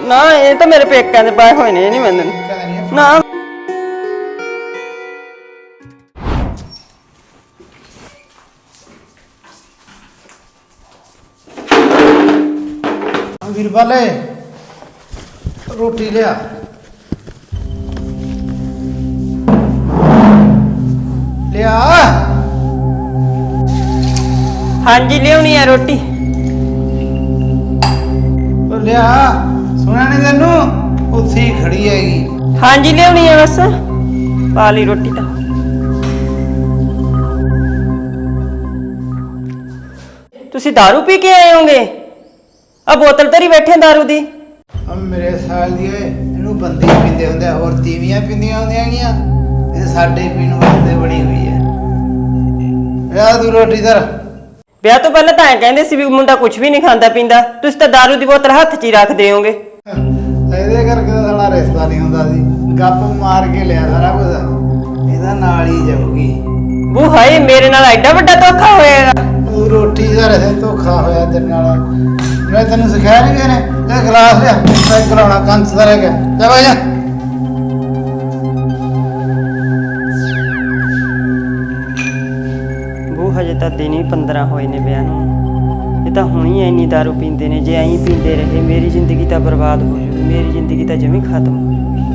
ਨਾ ਇਹ ਤਾਂ ਮੇਰੇ ਪੇਕਿਆਂ ਦੇ ਪਾਏ ਹੋਏ ਨੇ, ਇਹ ਨਹੀਂ ਮੈਨੂੰ ਨਾ। ਵੀਰਵਾਲੇ ਰੋਟੀ ਲਿਆ। ਲਿਆ। ਹਾਂਜੀ ਲਿਆਉਣੀ ਆ ਰੋਟੀ। ਉਹ ਲਿਆ, ਸੁਣਿਆ ਨਹੀਂ ਤੈਨੂੰ? ਉੱਥੇ ਹੀ ਖੜੀ ਹੈਗੀ। ਹਾਂਜੀ ਲਿਆਉਣੀ ਆ, ਬਸ ਪਾ ਲਈ ਰੋਟੀ ਤਾਂ। ਤੁਸੀਂ दारू ਪੀ ਕੇ ਆਏ ਹੋਗੇ? ਆ ਬੋਤਲ ਧਰੀ ਬੈਠੇ दारू ਦੀ। ਮੇਰੇ ਸਾਲ ਦੀ ਇਹਨੂੰ ਬੰਦੇ ਪੀਂਦੇ ਹੁੰਦੇ ਆ, ਹੋਰ ਤੀਵੀਆਂ ਪੀਂਦੀਆਂ ਹੁੰਦੀਆਂ ਗੀਆਂ। ਇਹ ਸਾਡੇ ਪੀਣ ਵਾਸਤੇ ਬਣੀ ਹੋਈ ਹੈ। ਲਿਆ ਤੂੰ ਰੋਟੀ ਧਰ। ਵਿਆਹ ਤੋਂ ਪਹਿਲਾਂ ਤਾਂ ਐਂ ਕਹਿੰਦੇ ਸੀ ਵੀ ਮੁੰਡਾ ਕੁਝ ਵੀ ਨਹੀਂ ਖਾਂਦਾ ਪੀਂਦਾ, ਤੁਸੀਂ ਤਾਂ दारू ਦੀ ਬੋਤਲ ਹੱਥ 'ਚ ਹੀ ਰੱਖਦੇ ਹੋਗੇ। ਇਹਦੇ ਕਰਕੇ ਤਾਂ ਸਾਡਾ ਰਿਸ਼ਤਾ ਨਹੀਂ ਹੁੰਦਾ ਸੀ। ਗੱਪ ਮਾਰ ਕੇ ਲਿਆ ਸਾਰਾ ਕੁਝ, ਇਹਦਾ ਨਾਲ ਹੀ ਜਾਊਗੀ। ਬੂ ਹਾਏ, ਮੇਰੇ ਨਾਲ ਐਡਾ ਵੱਡਾ ਧੋਖਾ ਹੋਏਗਾ। ਤੂੰ ਰੋਟੀ ਦਾ ਰਹਿ ਧੋਖਾ ਹੋਇਆ ਤੇਰੇ ਨਾਲ। ਮੈਂ ਤੈਨੂੰ ਸਿਖਾਇਆ ਨਹੀਂ ਕਿਹਨੇ? ਇਹ ਗਲਾਸ ਲਿਆ, ਮੈਂ ਕਰਾਉਣਾ ਕੰਚ ਦਾ ਰਹਿ ਗਿਆ। ਜਾ ਬਾਈ ਜਾ। ਬੂ ਹਜੇ ਤਾਂ ਦਿਨ ਹੀ 15 ਹੋਏ ਨੇ ਵਿਆਹ ਨੂੰ। ਇਹ ਤਾਂ ਹੁਣੀ ਇੰਨੀ दारू ਪੀਂਦੇ ਨੇ। ਜੇ ਐਂ ਪੀਂਦੇ ਰਹੇ ਮੇਰੀ ਜ਼ਿੰਦਗੀ ਤਾਂ ਬਰਬਾਦ ਹੋ ਜੂਗੀ। ਮੇਰੀ ਜ਼ਿੰਦਗੀ ਤਾਂ ਜਮੀ ਖਤਮ ਹੋ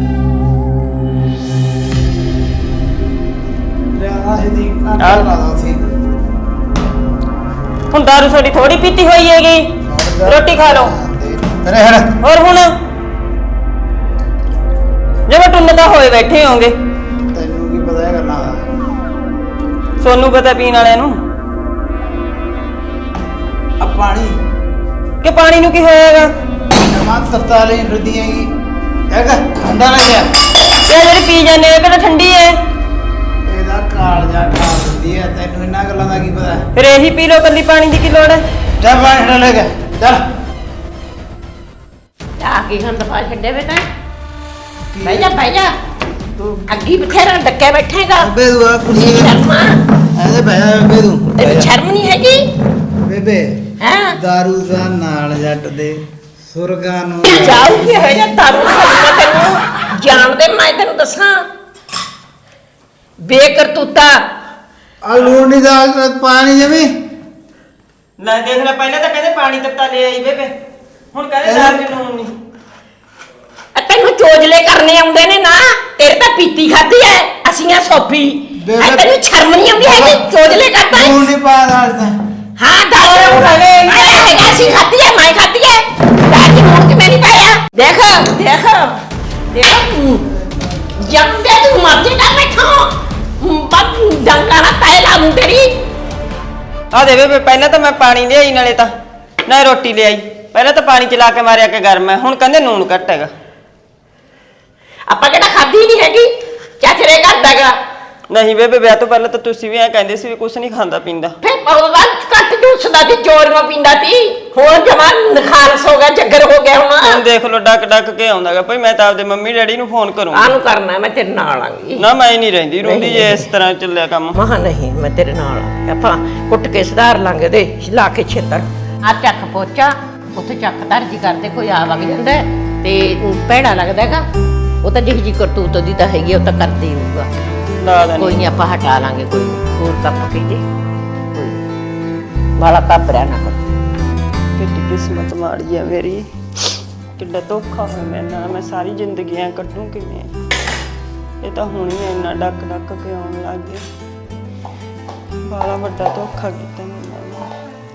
ਲਿਆ ਸਿੱਧੀ ਆਟਾ ਲਾ ਦੋ ਸੀ। ਹੁਣ दारू ਥੋੜੀ ਥੋੜੀ ਪੀਤੀ ਹੋਈ ਹੈਗੀ। ਰੋਟੀ ਖਾ ਲਓ। ਤੇਰੇ ਹੜ ਹੋਰ ਹੁਣ ਜਿਵੇਂ ਟੁੰਨ ਤਾਂ ਹੋਏ ਬੈਠੇ ਹੋਗੇ। ਤੈਨੂੰ ਕੀ ਪਤਾ ਹੈ ਗੱਲਾਂ ਦਾ? ਸੋਨੂੰ ਪਤਾ ਪੀਣ ਵਾਲਿਆਂ ਨੂੰ। ਆ ਪਾਣੀ ਕਿ ਪਾਣੀ ਨੂੰ ਕੀ ਹੋਏਗਾ? ਜਮਾ ਤੱਤਾ ਲਈ ਫਿਰਦੀ ਹੈਗੀ। ਹੈਗਾ ਠੰਡਾ ਨਾ ਗਿਆ। ਇਹ ਜਿਹੜੀ ਪੀ ਜਾਂਦੇ ਹੋ ਕਿਹੜਾ ਠੰਡੀ ਹੈ? ਇਹਦਾ ਕਾਲਜਾ ਖਾ ਦਿੰਦੀ ਹੈ। ਤੈਨੂੰ ਇਹਨਾਂ ਗੱਲਾਂ ਦਾ ਕੀ ਪਤਾ? ਫਿਰ ਇਹੀ ਪੀ ਲਓ, ਕੱਲੀ ਪਾਣੀ ਦੀ ਕੀ ਲੋੜ ਹੈ? ਜਾ ਪਾਣੀ ਠੰਡਾ ਲੈ ਕੇ ਚੱਲ। ਆ ਕੀ ਗੰਦ ਪਾ ਛੱਡੇ ਵੇ ਤੈਂ? ਬਹਿ ਜਾ ਤੂੰ ਅੱਗੀ ਬਥੇਰਾ ਡੱਕੇ ਬੈਠੇਗਾ। ਬੇਦੂ ਆ ਕੁੜੀ ਸ਼ਰਮ ਆ? ਐਦੇ ਬਹਿ ਬੇਦੂ। ਤੈਨੂੰ ਸ਼ਰਮ ਨਹੀਂ ਹੈਗੀ? ਬੇਬੇ ਹੈਂ? ਦਾਰੂ ਦਾ ਨਾਲ ਜੱਟ ਦੇ ਸੁਰਗਾਂ ਨੂੰ ਜਾਊ ਕੀ ਹੋਇਆ ਜਾਂ ਤਾਰੂ ਖਾਣਾ ਤੈਨੂੰ ਜਾਣਦੇ ਮੈਂ ਤੈਨੂੰ ਦੱਸਾਂ ਬੇਕਰਤੂਤਾ। ਆ ਲੂਣੀ ਦਾ ਪਾਣੀ ਜਮੀ। ਲੈ ਦੇਖ ਲੈ, ਪਹਿਲਾਂ ਤਾਂ ਕਹਿੰਦੇ ਪਾਣੀ ਤੱਤਾ ਲੈ ਆਈ ਬੇਬੇ, ਹੁਣ ਕਹਿੰਦੇ ਦਾਲ ਚ ਲੂਣ ਨਹੀਂ। ਤੈਨੂੰ ਚੋਜਲੇ ਕਰਨੇ ਆਉਂਦੇ ਨੇ ਨਾ। ਤੇਰੇ ਤਾਂ ਪੀਤੀ ਖਾਦੀ ਐ, ਅਸੀਂ ਆ ਸੋਫੀ। ਤੈਨੂੰ ਸ਼ਰਮ ਨਹੀਂ ਆਉਂਦੀ ਹੈਗੀ? ਚੋਜਲੇ ਕਰਦਾ ਹੈ। ਲੂਣ ਨਹੀਂ ਪਾ ਦਾਲ ਤਾਂ। ਹਾਂ ਦਾਲ ਹੈਗਾ ਸੀ ਖਾਦੀ ਐ, ਮੈਂ ਖਾਦੀ ਐ। ਦਾਲ ਚ ਲੂਣ ਕਿਵੇਂ ਨਹੀਂ ਪਾਇਆ? ਦੇਖ ਜੰਮਦੇ ਤੂੰ ਮਰ ਜਾਏਗਾ ਬੈਠਾ। ਬੱਤ ਡੰਗਾ ਨਾ ਤਾਏ ਲਾ ਮੂੰ ਤੇਰੀ। ਆ ਦੇ ਬੇਬੇ, ਪਹਿਲਾਂ ਤਾਂ ਮੈਂ ਪਾਣੀ ਲਿਆਈ, ਨਾਲੇ ਤਾਂ ਨਾ ਰੋਟੀ ਲਿਆਈ। ਪਹਿਲਾਂ ਤਾਂ ਪਾਣੀ ਚਲਾ ਕੇ ਮਾਰਿਆ ਕਿ ਗਰਮ ਹੈ, ਹੁਣ ਕਹਿੰਦੇ ਨੂਣ ਘੱਟ ਹੈਗਾ। ਆਪਾਂ ਕਿਹੜਾ ਖਾਦੀ ਨਹੀਂ ਹੈਗੀ, ਚਾਚਰੇ ਕਰਦਾਗਾ। ਨਹੀਂ ਬੇਬੇ, ਵਿਆਹ ਤੋਂ ਪਹਿਲਾਂ ਤਾਂ ਤੁਸੀਂ ਵੀ ਐਂ ਕਹਿੰਦੇ ਸੀ ਵੀ ਕੁਛ ਨਹੀਂ ਖਾਂਦਾ ਪੀਂਦਾ। ਫੇ ਉਹਦਾ ਘੱਟ ਜੂਸਦਾ ਸੀ, ਚੋਰੀਆਂ ਪੀਂਦਾ ਸੀ। ਹੁਣ ਜਮਾਨ ਨਖਾਲਸ ਹੋ ਗਿਆ, ਜੱਗਰ ਹੋ ਗਿਆ। ਹੁਣ ਹੁਣ ਦੇਖ ਲੋ ਡੱਕ ਕੇ ਆਉਂਦਾਗਾ। ਭਾਈ ਮੈਂ ਤਾਂ ਆਪਦੇ ਮੰਮੀ ਡੈਡੀ ਨੂੰ ਫੋਨ ਕਰੂੰਗੀ। ਆਨੂੰ ਕਰਨਾ, ਮੈਂ ਤੇਰੇ ਨਾਲ ਆਂਗੀ। ਨਾ ਮੈਂ ਨਹੀਂ ਰਹਿੰਦੀ ਰੋਂਦੀ ਜੇ ਇਸ ਤਰ੍ਹਾਂ ਚੱਲਿਆ ਕੰਮ। ਮਹਾ ਨਹੀਂ, ਮੈਂ ਤੇਰੇ ਨਾਲ ਆ। ਆਪਾਂ ਕੁੱਟ ਕੇ ਸੁਧਾਰ ਲਾਂਗੇ ਦੇ ਲਾ ਕੇ ਛੇਤਰ। ਆ ਚੱਕ ਪੋਚਾ ਉੱਥੇ ਚੱਕ ਦਰਜੀ ਕਰਦੇ, ਕੋਈ ਆ ਵਗ ਜਾਂਦਾ ਤੇ ਭੈੜਾ ਲੱਗਦਾਗਾ। ਉਹ ਤਾਂ ਜਿਹੀ ਜੀ ਕਰਤੂਤ ਦੀ ਤਾਂ ਹੈਗੀ, ਉਹ ਤਾਂ ਕਰਦੇ ਹੀ ਹੋਊਗਾ। ਕੋਈ ਨਹੀਂ, ਆਪਾਂ ਹਟਾ ਲਾਂਗੇ। ਕੋਈ ਹੋਰ ਕੱਪ ਪੀ ਦੇ, ਕੋਈ ਵਾਲਾ ਕੱਪ ਰਹਿ ਨਾ ਕਰ। ਕਿੱਡੀ ਕਿਸਮਤ ਮਾੜੀ ਆ ਮੇਰੀ, ਕਿੱਡਾ ਧੋਖਾ ਹੋਇਆ ਮੇਰੇ ਨਾਲ। ਮੈਂ ਸਾਰੀ ਜ਼ਿੰਦਗੀ ਐ ਕੱਢੂ ਕਿਵੇਂ? ਇਹ ਤਾਂ ਹੁਣ ਹੀ ਇੰਨਾ ਡੱਕ ਕੇ ਆਉਣ ਲੱਗ ਗਿਆ। ਬੜਾ ਵੱਡਾ ਧੋਖਾ ਕੀਤਾ ਮੇਰੇ ਨਾਲ।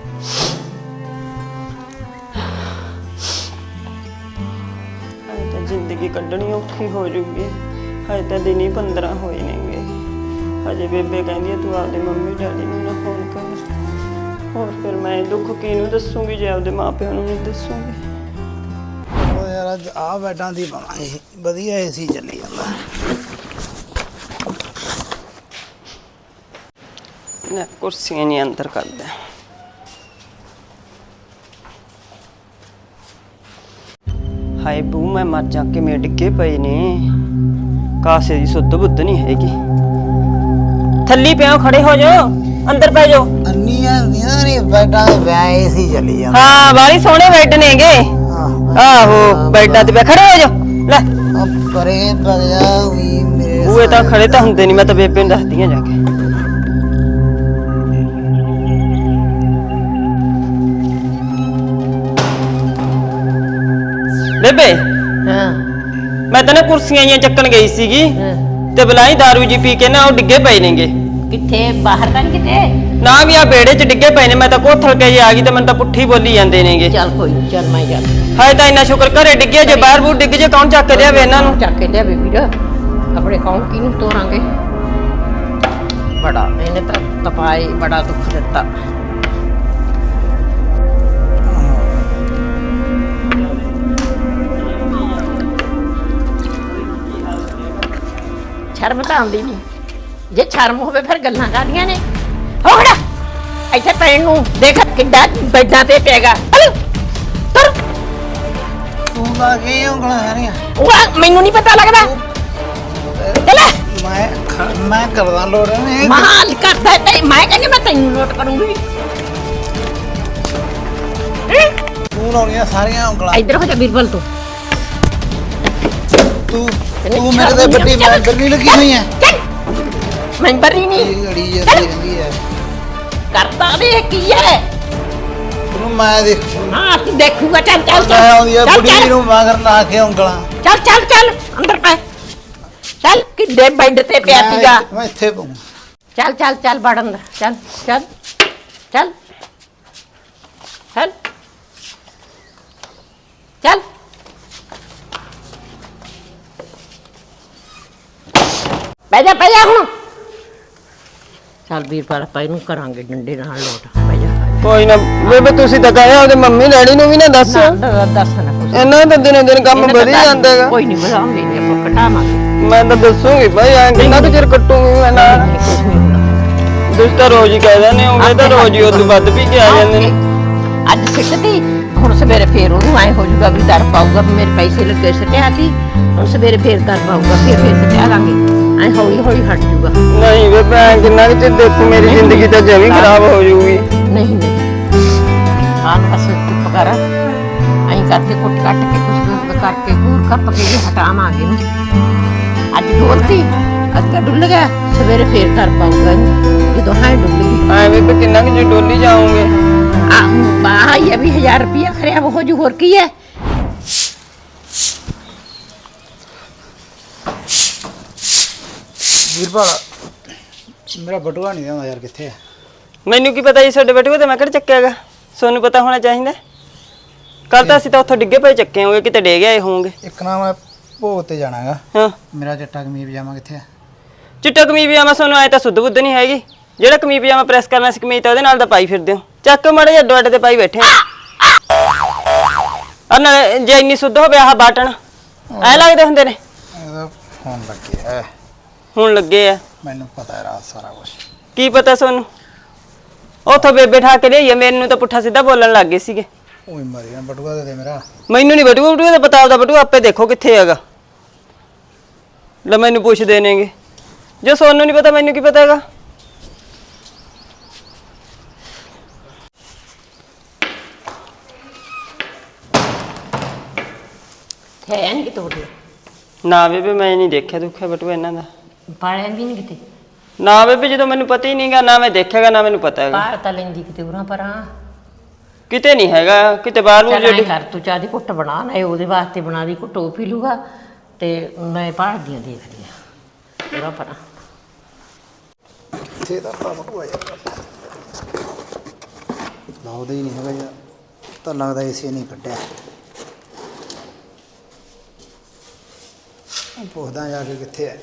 ਤਾਂ ਜ਼ਿੰਦਗੀ ਕੱਢਣੀ ਔਖੀ ਹੋ ਜੂਗੀ। ਹਜੇ ਤਾਂ ਦਿਨ ਹੀ 15 ਹੋਏ ਨੇਗੇ। ਹਜੇ ਬੇਬੇ ਕਹਿੰਦੀ ਤੂੰ ਆਪਦੇ ਮੰਮੀ ਡੈਡੀ ਨੂੰ ਨਾ ਫੋਨ ਕਰ। ਹੋਰ ਫਿਰ ਮੈਂ ਦੁੱਖ ਕਿਹਨੂੰ ਦੱਸੂਗੀ ਜੇ ਆਪਦੇ ਮਾਪਿਆਂ ਨੂੰ ਨਹੀਂ ਦੱਸੂਗੀ? ਉਹ ਯਾਰ ਅੱਜ ਆ ਬੈਡਾਂ ਦੀ ਪਾਵਾਂਗੇ, ਵਧੀਆ ਏਸੀ ਚੱਲੀ ਜਾਂਦਾ। ਨਾ ਕੁਰਸੀਆਂ ਨਹੀਂ ਅੰਦਰ ਕਰਦਾ। ਹਾਏ ਬੂ, ਮੈਂ ਮਰ ਜਾ ਕੇ ਮੇ ਡਿੱਗੇ ਪਏ ਨੇ। ਕਾਸੇ ਦੀ ਸੁੱਧ ਬੁੱਧ ਨਹੀਂ ਹੈਗੀ। ਥੱਲੀ ਪਿਓ, ਖੜੇ ਹੋ ਜਾਓ, ਅੰਦਰ ਪੈ ਜਾਓ। ਅੰਨੀਆਂ ਨਹੀਂ ਬੈਡਾਂ ਦੇ ਵਿਆਹ ਏਸੀ ਚੱਲੀ ਜਾਂਦਾ। ਹਾਂ, ਬਾਲੀ ਸੋਹਣੇ ਬੈੱਡ ਨੇਗੇ। ਆਹ ਆਹੋ ਬੈਡਾਂ ਤੇ ਖੜੇ ਹੋ ਜਾ ਲੈ ਪਰੇ ਭਗਿਆ ਵੀ ਮੇਰੇ ਬੂਏ ਤਾਂ ਖੜੇ ਤਾਂ ਹੁੰਦੇ ਨਹੀਂ, ਮੈਂ ਤਾਂ ਬੇਬੇ ਨੂੰ ਦੱਸਦੀ ਆ ਜਾ ਕੇ। ਬੇਬੇ ਹਾਂ ਮੈਂ ਤਾਂ ਨਾ ਕੁਰਸੀਆਂ ਜੀਆਂ ਚੱਕਣ ਗਈ ਸੀਗੀ ਹਾਂ। ਤੇ ਬਲਾਈ ਦਾਰੂ ਜੀ ਪੀ ਕੇ ਨਾ ਉਹ ਡਿੱਗੇ ਪਏ ਨੇਗੇ। ਕਿੱਥੇ ਬਾਹਰ ਤਾਂ ਨੀ ਕਿਤੇ? ਨਾ ਵੀ ਆ ਬੇੜੇ 'ਚ ਡਿੱਗੇ ਪਏ ਨੇ, ਮੈਂ ਤਾਂ ਕੋਥਲ ਕੇ ਜੇ ਆ ਗਈ ਤੇ ਮੈਨੂੰ ਤਾਂ ਪੁੱਠੀ ਬੋਲੀ ਜਾਂਦੇ ਨੇਗੇ। ਚੱਲ ਕੋਈ ਨੀ, ਚੱਲ ਮੈਂ ਜਾ ਹਾਏ ਤਾਂ ਇੰਨਾ ਸ਼ੁਕਰ ਘਰੇ ਡਿੱਗੇ, ਜੇ ਬਾਹਰ ਬੂਰ ਡਿੱਗ ਜੇ ਕੌਣ ਚੱਕ ਲਿਆਵੇ ਇਹਨਾਂ ਨੂੰ? ਚੱਕ ਕੇ ਲਿਆਵੇ ਵੀਰ, ਆਪਣੇ ਕੌਣ ਕਿਹਨੂੰ ਤੋਰਾਂਗੇ? ਬੜਾ ਇਹਨੇ ਤਾਂ ਤਪਾਈ ਬੜਾ ਦੁੱਖ ਦਿੱਤਾ। ਸ਼ਰਮ ਤਾਂ ਆਉਂਦੀ ਨਹੀਂ, ਜੇ ਸ਼ਰਮ ਹੋਵੇ ਫਿਰ ਗੱਲਾਂ ਕਰਦੀਆਂ ਨੇ। ਹੋ ਖੜਾ ਇੱਥੇ ਪੈਣ ਨੂੰ ਦੇਖ ਕਿੱਡਾ ਬੈਡਾਂ ਤੇ ਪੈਗਾ। ਤੁਰ ਤੂੰ ਲਾ ਕੇ ਉਂਗਲਾਂ ਸਾਰੀਆਂ ਉਹ ਮੈਨੂੰ ਨਹੀਂ ਪਤਾ ਲੱਗਦਾ। ਚੱਲ ਮੈਂ ਕਰਦਾ ਲੋੜ ਨੇ ਮਾਲ ਕਰਦਾ ਤੇ ਮੈਂ ਕਹਿੰਦੀ ਮੈਂ ਤੈਨੂੰ ਨੋਟ ਕਰੂੰਗੀ। ਤੂੰ ਲਾਉਣੀਆਂ ਸਾਰੀਆਂ ਉਂਗਲਾਂ। ਇੱਧਰ ਹੋ ਜਾ ਬਿਰਬਲ ਤੂੰ। ਤੂੰ ਮੇਰੇ ਤੇ ਵੱਡੀ ਮੈਂਬਰ ਨਹੀਂ ਲੱਗੀ ਹੋਈ ਹੈ। ਮੈਂਬਰ ਹੀ ਨਹੀਂ ਇਹ ਅੜੀ ਜਾਂਦੀ ਰਹਿੰਦੀ ਹੈ। ਕਰਦਾ ਵੇ ਕੀ ਹੈ? ਤੈਨੂੰ ਮੈਂ ਦੇਖ ਹਾਂ ਤੂੰ ਦੇਖੂਗਾ। ਚੱਲ ਚੱਲ ਮੈਂ ਆਉਂਦੀ ਆ ਚੱਲ ਬੁੜੀ ਨੂੰ ਮਗਰ ਲਾ ਕੇ ਉਂਗਲਾਂ। ਚੱਲ ਚੱਲ ਚੱਲ ਅੰਦਰ ਪੈ। ਚੱਲ ਕਿੱਡੇ ਬੈੱਡ ਤੇ ਪਿਆ ਸੀਗਾ। ਮੈਂ ਇੱਥੇ ਪਊਂ। ਚੱਲ ਚੱਲ ਚੱਲ ਵੜ ਅੰਦਰ। ਚੱਲ ਚੱਲ ਚੱਲ ਚੱਲ ਚੱਲ ਬਹਿ ਜਾ ਹੁਣ। ਚੱਲ ਵੀਰਪਾਲ ਆਪਾਂ ਇਹਨੂੰ ਕਰਾਂਗੇ ਡੰਡੇ ਨਾਲ ਲੋਟ। ਬਹਿ ਜਾ ਕੋਈ ਨਾ ਬੇਬੇ, ਤੁਸੀਂ ਤਾਂ ਕਹਿਆ ਉਹਦੇ ਮੰਮੀ ਡੈਡੀ ਨੂੰ ਵੀ ਨਾ ਦੱਸ। ਦੱਸ ਨਾ ਕੁਛ। ਇਹਨਾਂ ਦਾ ਦਿਨੋਂ ਦਿਨ ਕੰਮ ਵਧੀ ਜਾਂਦਾਗਾ। ਕੋਈ ਨਹੀਂ ਵਧਾਉਂਦੇ ਨਹੀਂ, ਆਪਾਂ ਘਟਾਵਾਂਗੇ। ਮੈਂ ਤਾਂ ਦੱਸੂਗੀ ਭਾਈ, ਐਂ ਕਿੰਨਾ ਕੁ ਚਿਰ ਕੱਟੂਗੀ ਮੈਂ ਨਾਲ। ਕੁਛ ਨਹੀਂ ਹੁੰਦਾ। ਤੁਸੀਂ ਤਾਂ ਰੋਜ਼ ਹੀ ਕਹਿ ਦਿੰਦੇ ਹੋਗੇ, ਤਾਂ ਰੋਜ਼ ਹੀ ਉਦੋਂ ਵੱਧ ਪੀ ਕੇ ਆ ਜਾਂਦੇ ਨੇ। ਅੱਜ ਸਿੱਟਦੀ, ਹੁਣ ਸਵੇਰੇ ਫੇਰ ਉਹਨੂੰ ਐ ਹੋ ਜਾਊਗਾ ਵੀ ਦਰ ਪਾਊਗਾ ਵੀ ਮੇਰੇ ਪੈਸੇ ਲੱਗੇ ਸਿੱਟਿਆ ਸੀ। ਹੁਣ ਸਵੇਰੇ ਫੇਰ ਦਰ ਪਾਊਗਾ, ਫੇਰ ਸਿੱਟਿਆ ਲਾਂਗੇ। ਐ ਹੌਲੀ ਹੌਲੀ ਹਟ ਜਾਊਗਾ। ਨਹੀਂ ਬੇਬੇ, ਐਂ ਕਿੰਨਾ ਕੁ ਚਿਰ ਦੇਖੂ, ਮੇਰੀ ਜ਼ਿੰਦਗੀ ਤਾਂ ਜਮੀ ਖਰਾਬ ਹੋ ਜਾਊਗੀ। ਨਹੀਂ ਨਹੀਂ ਹਾਂ ਬਸ ਚੁੱਪ ਕਰ। ਐਂ ਕਰਕੇ ਕੁੱਟ ਕੱਟ ਕੇ ਕੁਛ ਕਰਕੇ ਘੂਰ ਕੱਪ ਕੇ ਹਟਾਵਾਂਗੇ ਨੂੰ। ਅੱਜ ਡੋਲਤੀ, ਅੱਜ ਤਾਂ ਡੁੱਲ ਗਿਆ, ਸਵੇਰੇ ਫੇਰ ਕਰ ਪਾਊਗਾ ਜਦੋਂ ਹਾਂ ਡੁੱਲ ਗਈ। ਐਂ ਬੇਬੇ ਕਿੰਨਾ ਕੁ ਚਿਰ ਡੋਲੀ ਜਾਓਗੇ? ਆ ਬਾਹ ਇਹ ਵੀ 1000 ਰੁਪਇਆ ਖਰਿਆ ਹੋ ਜੂ, ਹੋਰ ਕੀ ਹੈ? ਵੀਰਪਾਲ ਮੇਰਾ ਬਟੂਆ ਨਹੀਂ ਆਉਂਦਾ ਯਾਰ, ਕਿੱਥੇ ਹੈ? ਮੈਨੂੰ ਕੀ ਪਤਾ ਜੀ ਤੁਹਾਡੇ ਬਟੂਏ ਤੇ ਮੈਂ ਕਿਹੜਾ ਚੱਕਿਆਗਾ? ਤੁਹਾਨੂੰ ਪਤਾ ਹੋਣਾ ਚਾਹੀਦਾ। ਕੱਲ ਤਾਂ ਅਸੀਂ ਤਾਂ ਉੱਥੋਂ ਡਿੱਗੇ ਪਏ ਚੱਕੇ ਹੋਗੇ, ਕਿਤੇ ਡੇ ਗਏ ਹੋਵੋਗੇ। ਇੱਕ ਨਾ ਮੈਂ ਭੋਗ ਤੇ ਜਾਣਾਗਾ। ਹਾਂ ਮੇਰਾ ਚਿੱਟਾ ਕਮੀਜ਼ ਪਜਾਮਾ ਕਿੱਥੇ ਹੈ? ਚਿੱਟਾ ਕਮੀਜ਼ ਪਜਾਮਾ ਤੁਹਾਨੂੰ ਆਏ ਤਾਂ ਸੁੱਧ ਬੁੱਧ ਨਹੀਂ ਹੈਗੀ। ਜਿਹੜਾ ਕਮੀਜ਼ ਪਜਾਮਾ ਪ੍ਰੈਸ ਕਰਨਾ ਸੀ ਕਮੀਜ਼ ਤਾਂ ਉਹਦੇ ਨਾਲ ਤਾਂ ਪਾਈ ਫਿਰਦੇ ਹੋ। ਚੱਕ ਮਾੜੇ ਜਿਹੇ ਅੱਡੋ ਅੱਡ ਤੇ ਪਾਈ ਬੈਠੇ ਆ। ਨਾਲੇ ਜੇ ਇੰਨੀ ਸੁੱਧ ਹੋਵੇ ਆਹ ਬਾਟਣ ਐ ਲੱਗਦੇ ਹੁੰਦੇ ਨੇ। ਇਹਦਾ ਫੋਨ ਲੱਗਿਆ, ਹੁਣ ਲੱਗੇ ਆ। ਮੈਨੂੰ ਪਤਾ ਹੈ ਰਾਤ ਸਾਰਾ ਕੁਝ। ਕੀ ਪਤਾ ਤੁਹਾਨੂੰ? ਉੱਥੋਂ ਬੇਬੇ ਠਾ ਕੇ ਲਿਆਈਏ, ਮੈਨੂੰ ਤਾਂ ਪੁੱਠਾ ਸਿੱਧਾ ਬੋਲਣ ਲੱਗ ਗਏ ਸੀਗੇ। ਓਏ ਮਰੀ ਨਾ, ਬਟੂਆ ਦੇ ਦੇ ਮੇਰਾ। ਮੈਨੂੰ ਨਹੀਂ ਬਟੂਆ ਬਟੂਆ ਦਾ ਪਤਾ, ਆਪਦਾ ਬਟੂਆ ਆਪੇ ਦੇਖੋ ਕਿੱਥੇ ਹੈਗਾ। ਲੈ ਮੈਨੂੰ ਪੁੱਛਦੇ ਨੇਗੇ, ਜੇ ਸੋਨੂੰ ਨਹੀਂ ਪਤਾ ਮੈਨੂੰ ਕੀ ਪਤਾ ਹੈਗਾ। ਹੈ ਨਹੀਂ ਕਿਤੇ ਬਟੂਆ? ਨਾ ਬੇਬੇ ਮੈਂ ਨਹੀਂ ਦੇਖਿਆ ਦੁੱਖਿਆ ਬਟੂਆ ਇਹਨਾਂ ਦਾ। ਪਾਲਿਆ ਵੀ ਨਹੀਂ ਕਿਤੇ? ਨਾ ਬੇਬੇ, ਜਦੋਂ ਮੈਨੂੰ ਪਤਾ ਹੀ ਨਹੀਂਗਾ, ਨਾ ਮੈਂ ਦੇਖਿਆਗਾ ਨਾ ਮੈਨੂੰ ਪਤਾ ਹੈਗਾ। ਬਾਹਰ ਤਾਂ ਲੈਂਦੀ ਕਿਤੇ ਉਰਾਂ ਪਰਾਂ। ਕਿਤੇ ਨਹੀਂ ਹੈਗਾ, ਕਿਤੇ ਬਾਹਰ ਨੂੰ ਚੱਲ ਜਿਹੜੀ। ਐਂ ਕਰ ਤੂੰ ਚਾਹ ਦੀ ਘੁੱਟ ਬਣਾ ਨਾ, ਉਹਦੇ ਵਾਸਤੇ ਬਣਾ ਦੀ ਘੁੱਟ, ਉਹ ਪੀ ਲੂਗਾ ਤੇ ਮੈਂ ਬਾਹਰ ਦੀਆਂ ਦੇਖਦੀ ਆ ਉਰਾਂ ਪਰਾਂ। ਕਿੱਥੇ ਦਾ ਬਟੂਆ ਯਾਰ? ਲਾਉਦਾ ਹੀ ਨਹੀਂ ਹੈਗਾ ਯਾਰ, ਤਾਂ ਲੱਗਦਾ ਇਸੇ ਨਹੀਂ ਕੱਢਿਆ। ਪੁੱਛਦਾ ਜਾ ਕੇ ਕਿੱਥੇ ਹੈ।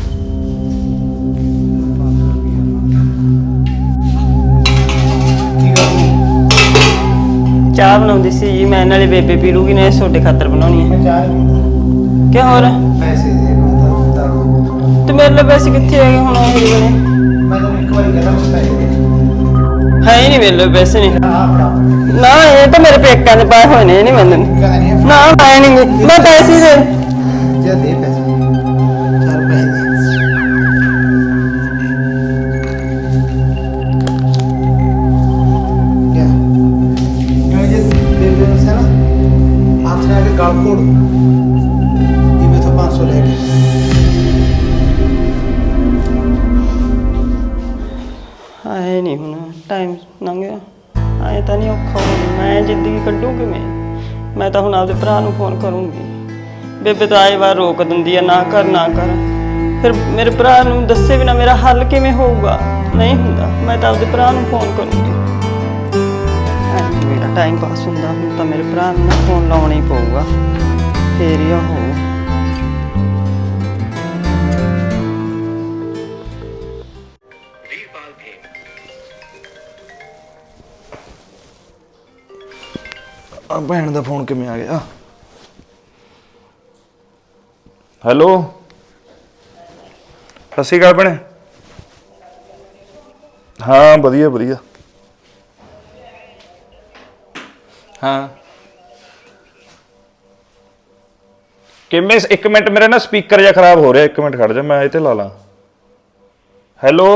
ਚਾਹ ਬਣਾਉਂਦੀ ਸੀ ਜੀ ਮੈਂ, ਨਾਲੇ ਬੇਬੇ ਪੀ ਲੂਗੀ, ਨੇ ਛੋਟੇ ਖਾਤਰ ਬਣਾਉਣੀ ਹੈ। ਕਿ ਹੋਰ ਪੈਸੇ ਦੇ ਤੇ ਮੇਰੇ ਲਈ ਪੈਸੇ ਕਿੱਥੇ ਹੈਗੇ ਹੁਣ? ਉਹ ਬਣੇ ਮੈਂ ਤਾਂ ਇੱਕ ਵਾਰੀ ਕਹਿੰਦਾ ਮੈਂ ਪੈਸੇ ਦੇ ਹੈ ਹੀ ਨਹੀਂ ਮੇਰੇ ਲਈ ਪੈਸੇ ਨਹੀਂ। ਆ ਫੜਾ ਨਾ ਇਹ ਤਾਂ ਮੇਰੇ ਪੇਕਿਆਂ ਦੇ ਪਾਏ ਹੋਏ ਨੇ, ਇਹ ਨਹੀਂ ਮੰਨਣ। ਕਹਿੰਦਾ ਨਹੀਂ ਨਾ ਮੈਂ ਨਹੀਂ, ਮੈਂ ਪੈਸੇ ਦੇ। ਜੇ ਦੇ ਪੈਸੇ ਚੱਲ ਪੈਸੇ ਦੇ। ਕਿਆ ਜੇ ਦੇ ਦੇ ਨਾ ਹੱਥ ਨਾਲ ਲੰਘਿਆ। ਐਂ ਤਾਂ ਨਹੀਂ ਔਖਾ ਹੋਣਾ, ਮੈਂ ਜ਼ਿੰਦਗੀ ਕੱਢੂ ਕਿਵੇਂ? ਮੈਂ ਤਾਂ ਹੁਣ ਆਪਦੇ ਭਰਾ ਨੂੰ ਫੋਨ ਕਰੂੰਗੀ। ਬੇਬੇ ਤਾਂ ਆਏ ਵਾਰ ਰੋਕ ਦਿੰਦੀ ਆ, ਨਾ ਕਰ ਨਾ ਕਰ। ਫਿਰ ਮੇਰੇ ਭਰਾ ਨੂੰ ਦੱਸੇ ਬਿਨਾ ਮੇਰਾ ਹੱਲ ਕਿਵੇਂ ਹੋਊਗਾ? ਨਹੀਂ ਹੁੰਦਾ। ਮੈਂ ਤਾਂ ਆਪਦੇ ਭਰਾ ਨੂੰ ਫੋਨ ਕਰੂੰਗੀ। ਮੇਰਾ ਟਾਈਮ ਪਾਸ ਹੁੰਦਾ। ਹੁਣ ਤਾਂ ਮੇਰੇ ਭਰਾ ਨੂੰ ਨਾ ਫੋਨ ਲਾਉਣਾ ਹੀ ਪਊਗਾ, ਫੇਰ ਹੀ ਉਹ ਭੈਣ ਦਾ ਫੋਨ ਕਿਵੇਂ ਆ ਗਿਆ? ਹੈਲੋ, ਸਤਿ ਸ਼੍ਰੀ ਅਕਾਲ ਭੈਣੇ। ਹਾਂ ਵਧੀਆ ਵਧੀਆ। ਹਾਂ ਕਿਵੇਂ? ਇੱਕ ਮਿੰਟ, ਮੇਰਾ ਨਾ ਸਪੀਕਰ ਜਿਹਾ ਖਰਾਬ ਹੋ ਰਿਹਾ। ਇੱਕ ਮਿੰਟ ਖੜ ਜਾ, ਮੈਂ ਇਹ ਤੇ ਲਾ ਲਾਂ। ਹੈਲੋ।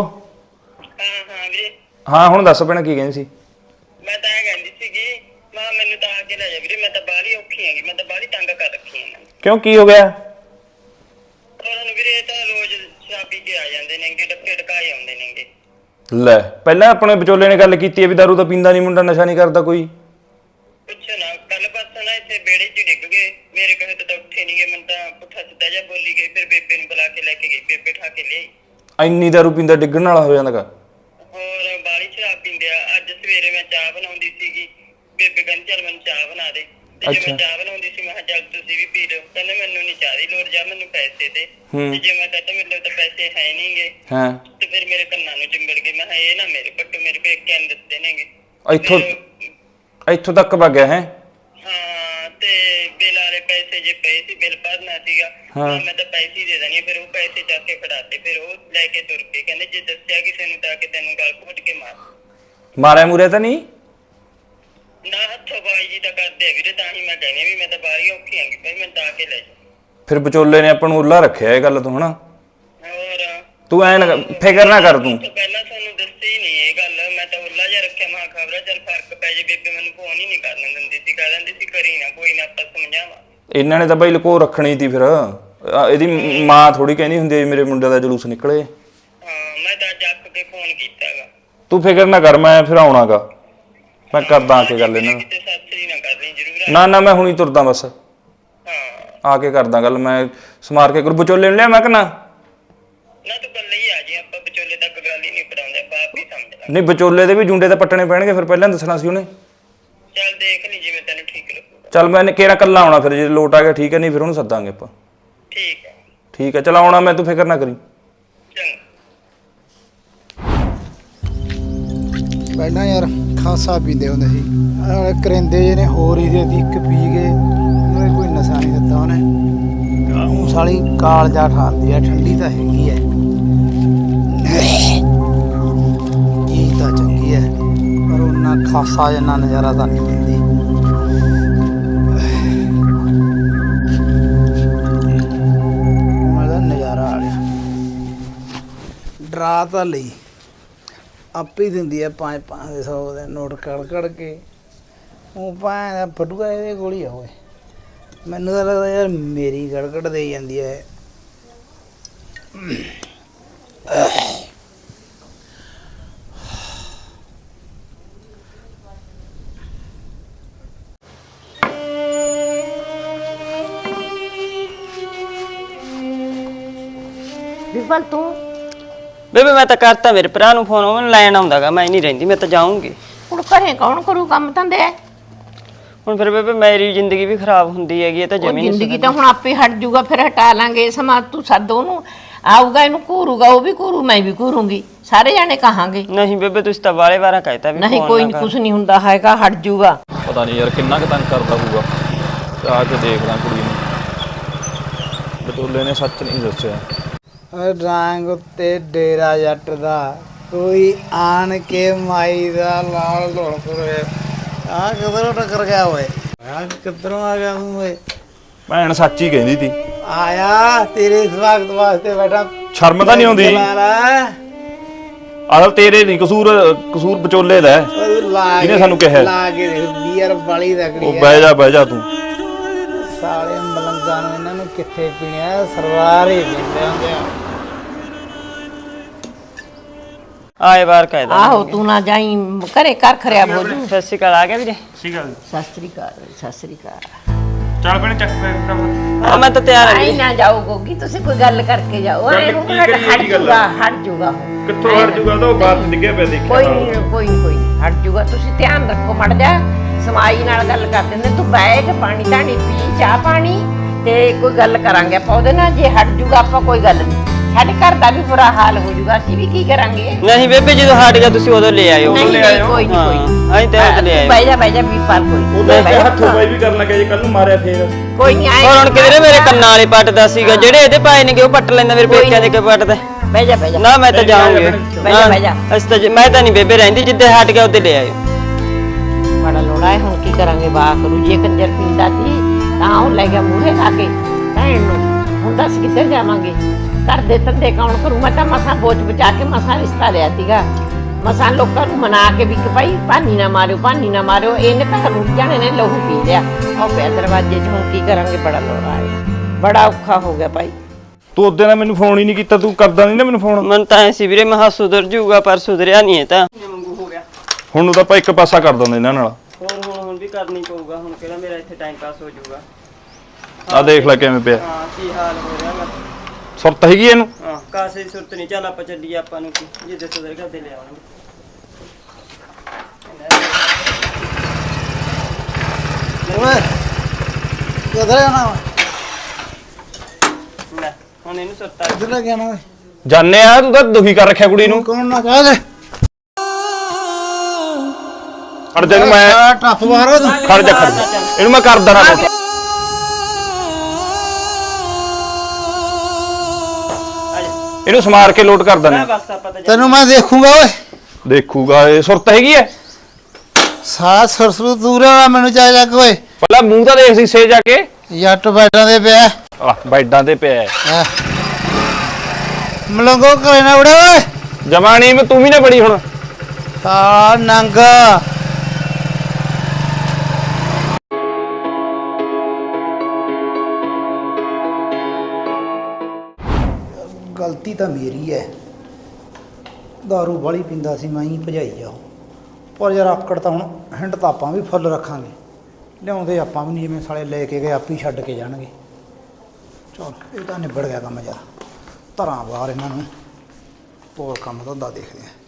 ਹਾਂ ਹੁਣ ਦੱਸ ਭੈਣੇ, ਕੀ ਕਹਿੰਦੀ ਸੀ? ਮੈਂ ਤਾਂ ਇਹ ਕਹਿੰਦੀ ਸੀਗੀ, ਮਾਂ ਮੈਨੂੰ ਤਾਂ ਆ ਕੇ ਲੈ ਜਾ ਵੀਰੇ। ਮੈਂ ਤਾਂ ਬਾਹਲੀ ਔਖੀ ਹੈਗੀ, ਮੈਂ ਤਾਂ ਬਾਹਲੀ ਤੰਗ ਕਰ ਰੱਖੀ ਹਾਂ। ਕਿਉਂ, ਕੀ ਹੋ ਗਿਆ? ਉਹਨਾਂ ਨੂੰ ਵੀਰੇ ਤਾਂ ਰੋਜ਼ ਸ਼ਰਾਬ ਪੀ ਕੇ ਆ ਜਾਂਦੇ ਨੇਗੇ, ਡੱਕੇ ਡਕਾਏ ਆਉਂਦੇ ਨੇਗੇ। ਲੈ, ਪਹਿਲਾਂ ਆਪਣੇ ਵਿਚੋਲੇ ਨੇ ਗੱਲ ਕੀਤੀ ਹੈ ਵੀ ਦਾਰੂ ਤਾਂ ਪੀਂਦਾ ਨਹੀਂ ਮੁੰਡਾ, ਨਸ਼ਾ ਨਹੀਂ ਕਰਦਾ ਕੋਈ। ਪੁੱਛੋ ਨਾ, ਕੱਲ ਪਾਸੋਂ ਨਾ ਇੱਥੇ ਬੇੜੇ 'ਚ ਡਿੱਗ ਗਏ। ਮੇਰੇ ਕਹੇ ਤਾਂ ਉੱਠੇ ਨਹੀਂ ਗਏ। ਮੈਨੂੰ ਤਾਂ ਪੁੱਠਾ ਸਿੱਧਾ ਜਿਹਾ ਬੋਲੀ ਗਈ। ਫਿਰ ਬੇਬੇ ਨੂੰ ਬੁਲਾ ਕੇ ਲੈ ਕੇ ਗਈ, ਬੇਬੇ ਠਾ ਕੇ ਲਿਆਈ। ਇੰਨੀ ਦਾਰੂ ਪੀਂਦਾ ਡਿੱਗਣ ਵਾਲਾ ਹੋ ਜਾਂਦਾ ਗਾ? ਹੋਰ ਬਾਹਲੀ ਸ਼ਰਾਬ ਪੀਂਦੇ ਆ। ਅੱਜ ਸਵੇਰੇ ਮੈਂ ਚਾਹ ਬਣਾਉਂਦੀ ਸੀਗੀ, ਬੇਬੇ ਕਹਿੰਦੀ ਚੱਲ ਮੈਨੂੰ ਚਾਹ ਬਣਾ ਦੇ। ਤੇ ਜੇ ਮੈਂ ਚਾਹ ਬਣਾਉਂਦੀ ਸੀ, ਮੈਂ ਕਿਹਾ ਚੱਲ ਤੁਸੀਂ ਵੀ ਪੀ ਲਓ। ਕਹਿੰਦੇ ਮੈਨੂੰ ਨਹੀਂ ਚਾਹ ਦੀ ਲੋੜ, ਜਾ ਮੈਨੂੰ ਪੈਸੇ ਦੇ। ਤੇ ਜੇ ਮੈਂ ਕਹਤਾ ਮੇਰੇ ਕੋਲ ਤਾਂ ਪੈਸੇ ਹੈ ਨਹੀਂਗੇ, ਤੇ ਫਿਰ ਮੇਰੇ ਕੰਨਾਂ ਨੂੰ ਚਿੰਬੜ ਗਏ। ਮੈਂ ਕਿਹਾ ਇਹ ਨਾ ਮੇਰੇ ਪੱਟੂ, ਮੇਰੇ ਪੇਕਿਆਂ ਨੇ ਦਿੱਤੇ ਨੇਗੇ। ਇੱਥੋਂ ਤੱਕ ਵਗ ਗਿਆ ਹੈ? ਹਾਂ, ਤੇ ਬਿੱਲ ਵਾਲੇ ਪੈਸੇ ਜੇ ਪਏ ਸੀ, ਬਿੱਲ ਭਰਨਾ ਸੀਗਾ। ਮੈਂ ਤਾਂ ਪੈਸੇ ਹੀ ਦੇ ਦੇਣੀ। ਫਿਰ ਉਹ ਪੈਸੇ ਚੱਕ ਕੇ ਫੜਾਤੇ। ਫਿਰ ਉਹ ਲੈ ਕੇ ਤੁਰ ਕੇ ਕਹਿੰਦੇ ਜੇ ਦੱਸਿਆ ਕਿਸੇ ਨੂੰ ਤਾਂ ਕਿ ਤੈਨੂੰ ਗਲ ਘੁੱਟ ਕੇ ਮਾਰਿਆ ਮੁਰਿਆ ਤਾਂ ਨਹੀਂ? ਨਾ, ਹੱਥੋਂ ਬਾਈ ਜੀ ਤਾਂ ਕਰਦੇ ਆ ਵੀਰੇ। ਤਾਂ ਹੀ ਮੈਂ ਕਹਿੰਦੀ ਵੀ ਮੈਂ ਤਾਂ ਬਾਹਲੀ ਔਖੀ ਆਂਗੀ, ਭਾਈ ਮੈਨੂੰ ਤਾਂ ਆ ਕੇ ਲੈ ਜਾ। ਫਿਰ ਵਿਚੋਲੇ ਨੇ ਆਪਾਂ ਨੂੰ ਉੱਲਾ ਰੱਖਿਆ ਇਹ ਗੱਲ ਤੋਂ ਹਨਾ? ਹੋਰ ਤੂੰ ਐ ਫਿਕਰ ਨਾ ਕਰ ਤੂੰ। ਪਹਿਲਾਂ ਤੁਹਾਨੂੰ ਦੱਸੀ ਨਹੀਂ ਇਹ ਗੱਲ। ਮੈਂ ਤਾਂ ਉੱਲਾ ਜਿਹਾ ਰੱਖਿਆ। ਮੈਂ ਖਬਰਾਂ ਚੱਲ ਫਰਕ ਪੈ ਜੇ। ਬੇਬੇ ਮੈਨੂੰ ਫੋਨ ਹੀ ਨਹੀਂ ਕਰਨ ਦਿੰਦੀ ਸੀ, ਕਹਿ ਦਿੰਦੀ ਸੀ ਕਰੀ ਨਾ, ਕੋਈ ਨਾ ਆਪਾਂ ਸਮਝਾਵਾਂ। ਇਹਨਾਂ ਨੇ ਤਾਂ ਬਈ ਲਕੋ ਰੱਖਣੀ ਸੀ। ਫਿਰ ਇਹਦੀ ਮਾਂ ਥੋੜੀ ਕਹਿੰਦੀ ਹੁੰਦੀ ਮੇਰੇ ਮੁੰਡੇ ਦਾ ਜਲੂਸ ਨਿਕਲੇ। ਹਾਂ, ਮੈਂ ਤਾਂ ਜੱਕ ਕੇ ਫੋਨ ਕੀਤਾਗਾ। ਤੂੰ ਫਿਕਰ ਨਾ ਕਰ, ਮੈਂ ਫਿਰ ਆਉਣਾਗਾ। ਮੈਂ ਕਰਦਾ ਆ ਕੇ ਗੱਲ ਇਹਨਾਂ ਨਾਲ। ਕਿਤੇ ਸਾਥੀ ਨਾ ਕਰਨੀ ਜ਼ਰੂਰ। ਨਾ ਮੈਂ ਹੁਣੀ ਤੁਰਦਾ ਬਸ। ਹਾਂ, ਆ ਕੇ ਕਰਦਾ ਗੱਲ। ਮੈਂ ਸਮਾਰ ਕੇ ਵਿਚੋਲੇ ਨੂੰ ਲਿਆ ਮੈਂ ਕਿ ਨਾ ਤੂੰ ਕੱਲੇ ਹੀ ਆ ਜੀ। ਆਪਾਂ ਵਿਚੋਲੇ ਤੱਕ ਗੱਲ ਹੀ ਨਹੀਂ ਪੜਾਉਂਦੇ, ਆਪਾਂ ਆਪ ਹੀ ਸਮਝ ਲਾਂਗੇ। ਨਹੀਂ, ਵਿਚੋਲੇ ਦੇ ਵੀ ਜੁੰਡੇ ਤਾਂ ਪੱਟਣੇ ਪੈਣਗੇ। ਫਿਰ ਪਹਿਲਾਂ ਦੱਸਣਾ ਸੀ ਉਹਨੇ। ਚੱਲ ਦੇਖ ਲਈ ਜਿਵੇਂ ਤੈਨੂੰ ਠੀਕ ਲੱਗੂਗਾ। ਚੱਲ ਮੈਂ ਕਿਹੜਾ ਕੱਲਾ ਆਉਣਾ ਫਿਰ, ਜੇ ਲੋਟ ਆ ਗਿਆ ਠੀਕ ਹੈ, ਨਹੀਂ ਫਿਰ ਉਹਨੂੰ ਸੱਦਾਂਗੇ ਆਪਾਂ। ਠੀਕ ਹੈ। ਠੀਕ ਹੈ, ਚਲ ਆਉਣਾ ਮੈਂ, ਤੂੰ ਫਿਕਰ ਨਾ ਕਰੀ। ਚੰਗਾ। ਪਹਿਲਾਂ ਯਾਰ ਖਾਸਾ ਪੀਂਦੇ ਹੁੰਦੇ ਸੀ। ਕਰਿੰਦੇ ਜਿਹੇ ਨੇ ਹੋਰ ਹੀ ਦੇ ਇੱਕ ਪੀ ਗਏ, ਉਹਨੇ ਕੋਈ ਨਸ਼ਾ ਨਹੀਂ ਦਿੱਤਾ ਉਹਨੇ। ਉਹ ਸਾਲੀ ਕਾਲਜਾ ਠਾਲਦੀ ਆ, ਠੰਡੀ ਤਾਂ ਹੈਗੀ ਐ, ਇਹ ਤਾਂ ਚੰਗੀ ਐ, ਪਰ ਉਹਨਾਂ ਖਾਸਾ ਜਿੰਨਾ ਨਜ਼ਾਰਾ ਤਾਂ ਨਹੀਂ ਦਿੰਦੀ। ਮਜ਼ਾ ਨਜ਼ਾਰਾ ਆ ਗਿਆ। ਡਰਾ ਤਾਂ ਲਈ ਆਪੇ ਹੀ ਦਿੰਦੀ ਆ 5-5 ਦੇ 100 ਦੇ ਨੋਟ ਕੜ ਕੇ। ਉਹ ਭਾਂ ਫਟੂਆ ਇਹਦੇ ਕੋਲ ਹੀ ਆ। ਓਏ ਮੈਨੂੰ ਤਾਂ ਲੱਗਦਾ ਯਾਰ ਮੇਰੀ ਗੜਗੜ ਦੇ ਜਾਂਦੀ ਹੈ। ਵਿਪਲ ਤੂੰ ਬੇਬੇ ਮੈਂ ਤਾਂ ਕਰਤਾ ਮੇਰੇ ਭਰਾ ਨੂੰ ਫੋਨ, ਉਹ ਲੈਣ ਆਉਂਦਾਗਾ। ਮੈਂ ਨਹੀਂ ਰਹਿੰਦੀ, ਮੈਂ ਤਾਂ ਜਾਊਂਗੀ। ਹੁਣ ਘਰੇ ਕੌਣ ਕਰੂ ਕੰਮ ਧੰਦੇ? ਹੁਣ ਫਿਰ ਬੇਬੇ ਮੇਰੀ ਜ਼ਿੰਦਗੀ ਵੀ ਖਰਾਬ ਹੁੰਦੀ ਹੈਗੀ। ਇਹ ਤਾਂ ਜਮੀ ਨਹੀਂ ਜ਼ਿੰਦਗੀ ਤਾਂ ਹੁਣ ਆਪੇ ਹਟ ਜੂਗਾ, ਫਿਰ ਹਟਾ ਲਾਂਗੇ। ਸਮਾਂ ਤੂੰ ਸੱਦ ਉਹਨੂੰ, ਆਊਗਾ, ਇਹਨੂੰ ਘੂਰੂਗਾ, ਉਹ ਵੀ ਘੂਰੂ, ਮੈਂ ਵੀ ਘੂਰੂੰਗੀ, ਸਾਰੇ ਜਾਣੇ ਕਹਾਂਗੇ। ਨਹੀਂ ਬੇਬੇ, ਤੁਸੀਂ ਤਾਂ ਵਾਲੇ ਵਾਰਾ ਕਹਿਤਾ ਵੀ ਨਹੀਂ, ਕੋਈ ਕੁਛ ਨਹੀਂ ਹੁੰਦਾ ਹੈਗਾ, ਹਟ ਜੂਗਾ। ਪਤਾ ਨਹੀਂ ਯਾਰ ਕਿੰਨਾ ਕੁ ਤੰਗ ਕਰਦਾ ਹੋਊਗਾ। ਆ ਕੇ ਦੇਖਦਾ ਕੁੜੀ ਨੂੰ। ਬਟੋਲੇ ਨੇ ਸੱਚ ਨਹੀਂ ਦੱਸਿਆ। ਰੰਗ ਉੱਤੇ ਡੇਰਾ ਜੱਟ ਦਾ, ਕੋਈ ਆਣ ਕੇ ਮਾਈ ਦਾ ਲਾਲ ਢੋਲ ਕਰੇ। ਆ ਕਿਧਰੋਂ ਟੱਕਰ ਗਿਆ ਓਏ? ਆ ਕਿੱਧਰੋਂ ਆ ਗਿਆ ਤੂੰ ਓਏ? ਭੈਣ ਸੱਚ ਹੀ ਕਹਿੰਦੀ ਤੀ। ਆਇਆ ਤੇਰੇ ਸਵਾਗਤ ਵਾਸਤੇ ਬੈਠਾ। ਸ਼ਰਮ ਤਾਂ ਨਹੀਂ ਆਉਂਦੀ? ਆਹ ਤੇਰੇ ਨਹੀਂ ਕਸੂਰ ਵਿਚੋਲੇ ਦਾ। ਇਹਨੇ ਸਾਨੂੰ ਕਿਹਾ ਲਾ ਕੇ ਬੀਅਰ ਵਾਲੀ ਰਗੜੀ। ਉਹ ਬਹਿ ਜਾ ਤੂੰ। ਸਾਲੇ ਮਲੰਗਾਂ ਨੂੰ ਇਹਨਾਂ ਨੂੰ ਕਿੱਥੇ ਪੀਣਿਆ, ਸਰਵਾਰ ਹੀ ਪੀਂਦੇ ਹੁੰਦੇ ਆ। ਆਏ ਵਾਰ ਕਹਿਦਾ ਆਹੋ ਤੂੰ ਨਾ ਜਾਈ ਘਰੇ ਘਰ ਖਰਿਆਬ ਹੋ ਜੂ। ਸਤਿ ਸ਼੍ਰੀ ਅਕਾਲ ਆ ਗਿਆ ਵੀਰੇ। ਸਹੀ ਗੱਲ ਸਤਿ ਸ੍ਰੀ ਅਕਾਲ ਸਤਿ ਸ੍ਰੀ ਅਕਾਲ। ਚੱਲ ਭੈਣੇ ਚੱਕ ਪੈ ਹਾਂ ਮੈਂ ਤਾਂ ਤਿਆਰ ਹਾਂ ਆਈ ਵੀਰੇ। ਨਾ ਜਾਓ ਗੋਗੀ ਤੁਸੀਂ ਕੋਈ ਗੱਲ ਕਰਕੇ ਜਾਓ। ਗੱਲ ਐਂ ਕੀ ਹਟ ਕਰੀਏ ਜੀ ਗੱਲ? ਜੂਗਾ ਹਟ ਜੂਗਾ ਕਿੱਥੋਂ ਹਟ ਜੂਗਾ ਤਾਂ ਉਹ ਬਾਤ ਡਿੱਗਿਆ ਪਿਆ ਦੇਖਿਆ ਕੋਈ ਨਹੀਂ ਹਟ ਜੂਗਾ। ਤੁਸੀਂ ਧਿਆਨ ਰੱਖੋ ਮੜ ਜਾ ਸਮਾਈ ਨਾਲ ਗੱਲ ਕਰ ਦਿੰਦੇ ਤੂੰ ਬੈਠ ਪਾਣੀ ਧਾਣੀ ਪੀ ਚਾਹ ਪਾਣੀ ਤੇ ਕੋਈ ਗੱਲ ਕਰਾਂਗੇ ਆਪਾਂ ਉਹਦੇ ਨਾਲ। ਜੇ ਹਟ ਜੂਗਾ ਆਪਾਂ ਕੋਈ ਗੱਲ ਨਹੀਂ। ਸਾਡੇ ਘਰ ਦਾ ਵੀ ਬੁਰਾ ਹਾਲ ਹੋ ਜੂਗਾ ਅਸੀਂ ਵੀ ਕੀ ਕਰਾਂਗੇ। ਨਹੀਂ ਬੇਬੇ ਜਦੋਂ ਹਟ ਗਿਆ ਤੁਸੀਂ ਉਦੋਂ ਲੈ ਆਇਓ। ਨਹੀਂ ਨਹੀਂ ਕੋਈ ਨਹੀਂ ਹਾਂ, ਕੋਈ ਅਸੀਂ ਤਾਂ ਉਦੋਂ ਲੈ ਆਏ। ਬਹਿ ਜਾ ਵੀ ਪਰ ਕੋਈ ਉਹਦਾ ਬਹਿ ਜਾ ਹੱਥੋਂ ਬਾਈ ਵੀ ਕਰਨ ਲੱਗਿਆ ਜੇ ਕੱਲ ਨੂੰ ਮਾਰਿਆ ਫੇਰ ਕੋਈ ਨਹੀਂ ਆਏ। ਹੋਰ ਹੁਣ ਕਿਧਰੇ ਮੇਰੇ ਕੰਨਾਂ ਵਾਲੇ ਪੱਟਦਾ ਸੀਗਾ ਜਿਹੜੇ ਇਹਦੇ ਪਾਏ ਨੇ ਕਿ ਉਹ ਪੱਟ ਲੈਂਦਾ ਮੇਰੇ ਪੇਕਿਆਂ ਦੇ ਕੇ ਪੱਟਦਾ। ਬਹਿ ਜਾ ਨਾ ਮੈਂ ਤਾਂ ਜਾਊਂਗੀ। ਬਹਿ ਜਾ। ਅਸੀਂ ਤਾਂ ਮੈਂ ਤਾਂ ਨਹੀਂ ਬੇਬੇ ਰਹਿੰਦੀ ਜਿੱਦੇ ਹਟ ਗਿਆ ਉੱਤੇ ਲੈ ਆਇਓ। ਬੜਾ ਲੋੜਾ ਹੈ ਹੁਣ ਕੀ ਕਰਾਂਗੇ ਬਾਹ ਕਰੂ ਜੇ ਕੰਜਰ ਪੀਂਦਾ ਸੀ ਤਾਂ ਉਹ ਲੈ ਗਿਆ ਮੂਹਰੇ ਲਾ ਕੇ ਭੈਣ ਨੂੰ। ਹੁਣ ਦੱਸ ਕਿੱਧਰ ਜਾਵਾਂਗੇ। ਘਰ ਦੇ ਧੰਦੇ ਕੌਣ ਕਰੂ। ਮੈਂ ਤਾਂ ਮਸਾਂ ਬੋਝ ਬਚਾ ਕੇ ਮਸਾਂ ਰਿਸ਼ਤਾ ਲਿਆ ਸੀਗਾ। ਮਸਾਂ ਲੋਕਾਂ ਨੂੰ ਮਨਾ ਕੇ ਵੀ ਕਿ ਭਾਈ ਭਾਨੀ ਨਾ ਮਾਰਿਓ ਇਹਨੇ ਤਾਂ ਰੁੱਟ ਜਾਣੇ ਨੇ ਲਹੂ ਪੀ ਲਿਆ। ਉਹ ਪਿਆ ਦਰਵਾਜ਼ੇ 'ਚ ਹੁਣ ਕੀ ਕਰਾਂਗੇ। ਬੜਾ ਲੋੜਾ ਹੈ ਬੜਾ ਔਖਾ ਹੋ ਗਿਆ ਭਾਈ। ਤੂੰ ਉਹਦੇ ਨਾਲ ਮੈਨੂੰ ਫੋਨ ਹੀ ਨਹੀਂ ਕੀਤਾ ਤੂੰ ਕਰਦਾ ਨਹੀਂ ਨਾ ਮੈਨੂੰ ਫੋਨ। ਮਨ ਤਾਂ ਐ ਸੀ ਵੀਰੇ ਮੈਂ ਸੁਧਰ ਜੂਗਾ ਪਰ ਸੁਧਰਿਆ ਨਹੀਂ ਇਹ ਤਾਂ। ਹੁਣ ਉਹ ਤਾਂ ਆਪਾਂ ਇੱਕ ਪਾਸਾ ਕਰ ਦਿੰਦੇ ਇਹਨਾਂ ਨਾਲ। ਹੁਣ ਵੀ ਕਰਨੀ ਪਊਗਾ। ਹੁਣ ਕਿਹੜਾ ਮੇਰਾ ਇੱਥੇ ਟਾਈਮ ਪਾਸ ਹੋ ਜਾਊਗਾ। ਆ ਦੇਖ ਲੈ ਕਿਵੇਂ ਪਿਆ ਹਾਂ ਕੀ ਹਾਲ ਹੋ ਰਿਹਾ ਵਾ। ਸੁਰਤ ਹੈਗੀ ਇਹਨੂੰ। ਹਾਂ ਕਾਸੇ ਦੀ ਸੁਰਤ ਨਹੀਂ। ਚੱਲ ਆਪਾਂ ਚੱਲੀਏ ਆਪਾਂ ਨੂੰ ਕੀ ਜਿੱਦੇ ਸੁਧਰ ਕੇ ਦੇ ਲਿਆਵਾਂਗੇ। ਓਏ ਕਿੱਧਰ ਜਾਣਾ ਵਾ? ਲੈ ਹੁਣ ਇਹਨੂੰ ਸੁਰਤ ਆ ਕਿੱਧਰ ਲੈ ਕੇ ਆਣਾ ਓਏ? ਜਾਣੇ ਆ ਤੂੰ ਤਾਂ ਦੁਖੀ ਕਰ ਰੱਖਿਆ ਕੁੜੀ ਨੂੰ। ਕੌਣ ਨਾ ਕਹਿ ਦੇ ਖੜ ਜਾ ਇਹਨੂੰ ਮੈਂ ਟੱਪ ਮਾਰੋ ਤੂੰ। ਖੜ ਜਾ ਇਹਨੂੰ ਮੈਂ ਕਰ ਦੇਣਾ ਕੁਛ। ਇਹਨੂੰ ਸਮਾਰ ਕੇ ਲੋਟ ਕਰ ਮੈਂ ਦੇਣਾ। ਬਸ ਆਪਾਂ ਤਾਂ ਤੈਨੂੰ ਮੈਂ ਦੇਖੂੰਗਾ ਓਏ। ਦੇਖੂਗਾ ਇਹ ਸੁਰਤ ਹੈਗੀ ਐ। ਸਾਰਾ ਸਰਸਰੂ ਦੂਰਾ ਮੈਨੂੰ ਚਾਹੀਦਾ ਕੋਈ ਪਹਿਲਾਂ ਮੂੰਹ ਤਾਂ ਦੇਖ ਸੀਸੇ ਜਾ ਕੇ। ਜੱਟ ਬੈਠਾਂ ਦੇ ਪਿਆ ਆ ਬੈਡਾਂ ਤੇ ਪਿਆ ਹੈਂ। ਮਲੰਗੋ ਕਰੇ ਨਾ ਬੜੇ ਓਏ। ਜਮਾਣੀ ਮੈਂ ਤੂੰ ਵੀ ਨਾ ਬੜੀ ਹੁਣ। ਆ ਨੰਗ ਗਲਤੀ ਤਾਂ ਮੇਰੀ ਹੈ। ਦਾਰੂ ਵਾਲੀ ਪੀਂਦਾ ਸੀ ਮੈਂ ਹੀ ਭਜਾਈ ਆ। ਪਰ ਯਾਰ ਆਕੜ ਤਾਂ ਹੁਣ ਹਿੰਡ ਤਾਂ ਆਪਾਂ ਵੀ ਫੁੱਲ ਰੱਖਾਂਗੇ। ਲਿਆਉਂਦੇ ਆਪਾਂ ਵੀ ਨਹੀਂ ਜਿਵੇਂ ਸਾਲੇ ਲੈ ਕੇ ਗਏ ਆਪੇ ਛੱਡ ਕੇ ਜਾਣਗੇ। ਚਲ ਇਹ ਤਾਂ ਨਿਬੜ ਗਿਆ ਕੰਮ ਯਾਰ। ਧਰਾਂ ਬਾਹਰ ਇਹਨਾਂ ਨੂੰ ਹੋਰ ਕੰਮ ਧੰਦਾ ਦੇਖਦੇ ਆ।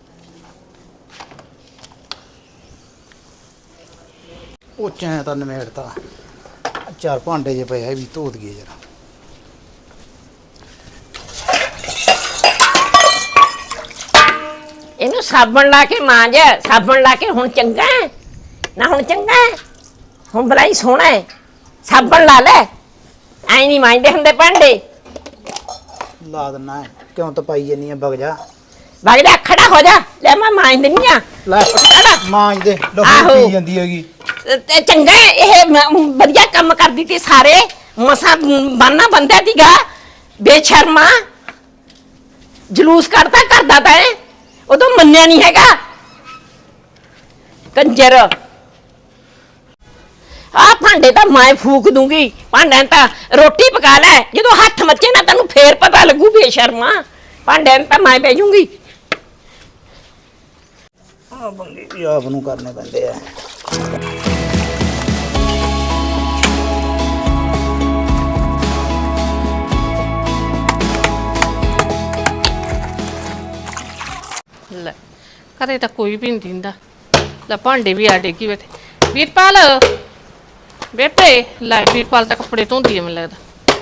ਉਹ ਚੈਂ ਤਾਂ ਨਿਮੇੜਤਾ। ਚਾਰ ਭਾਂਡੇ ਜੇ ਪਏ ਆ ਇਹ ਵੀ ਧੋ ਦਈਏ ਯਾਰ। ਇਹਨੂੰ ਸਾਬਣ ਲਾ ਕੇ ਮਾਂਜ। ਸਾਬਣ ਲਾ ਕੇ ਹੁਣ ਚੰਗਾ ਹੈ ਨਾ। ਹੁਣ ਚੰਗਾ ਹੈ ਹੁਣ ਬਲਾਈ ਸੋਹਣਾ ਹੈ। ਸਾਬਣ ਲਾ ਲੈ ਐ ਨਹੀਂ ਮਾਂਜਦੇ ਹੁੰਦੇ ਭਾਂਡੇ। ਲਾ ਦਿੰਨਾ ਹੈ। ਕਿਉਂ ਤਾਂ ਪਾਈ ਜਾਨੀ ਆ ਵਗ ਜਾ। ਵਗ ਜਾ ਖੜਾ ਹੋ ਜਾ ਲੈ ਮੈਂ ਮਾਂਜ ਦਿੰਨੀ ਆ। ਲੈ ਮਾਂਜ ਦੇ ਲਹੂ ਆਹੋ। ਪੀ ਜਾਂਦੀ ਹੈਗੀ। ਤੇ ਚੰਗਾ ਹੈ, ਇਹ ਵਧੀਆ ਕੰਮ ਕਰਦੀ ਤੀ ਸਾਰੇ ਮਸਾਂ ਬਾਨਾ ਬੰਦਾ ਤੀਗਾ ਬੇਸ਼ਰਮਾ ਜਲੂਸ ਕੱਢਦਾ ਕਰਦਾ ਤਾਂ ਇਹ ਉਦੋਂ ਮੰਨਿਆ ਨਹੀਂ ਹੈਗਾ ਕੰਜਰ। ਆ ਭਾਂਡੇ ਤਾਂ ਮੈਂ ਫੂਕ ਦੂੰਗੀ। ਭਾਂਡਿਆਂ ਤਾਂ ਰੋਟੀ ਪਕਾ ਲੈ ਜਦੋਂ ਹੱਥ ਮੱਚੇ ਨਾ ਤੈਨੂੰ ਫੇਰ ਪਤਾ ਲੱਗੂ ਬੇਸ਼ਰਮਾ। ਭਾਂਡਿਆਂ ਤਾਂ ਮੈਂ ਬਹਿ ਜੂੰਗੀ। ਆ ਬੰਦੇ ਵੀ ਆਪ ਨੂੰ ਕਰਨੇ ਪੈਂਦੇ ਆ। ਲੈ ਘਰੇ ਤਾਂ ਕੋਈ ਵੀ ਨਹੀਂ ਦਿੰਦਾ। ਲੈ ਭਾਂਡੇ ਵੀ ਆ ਡੇਗੀ ਬੈਠੇ। ਵੀਰਪਾਲ ਬੇਟੇ ਲੈ ਵੀਰਪਾਲ ਤਾਂ ਕੱਪੜੇ ਧੋਂਦੀ ਹੈ ਮੈਨੂੰ ਲੱਗਦਾ।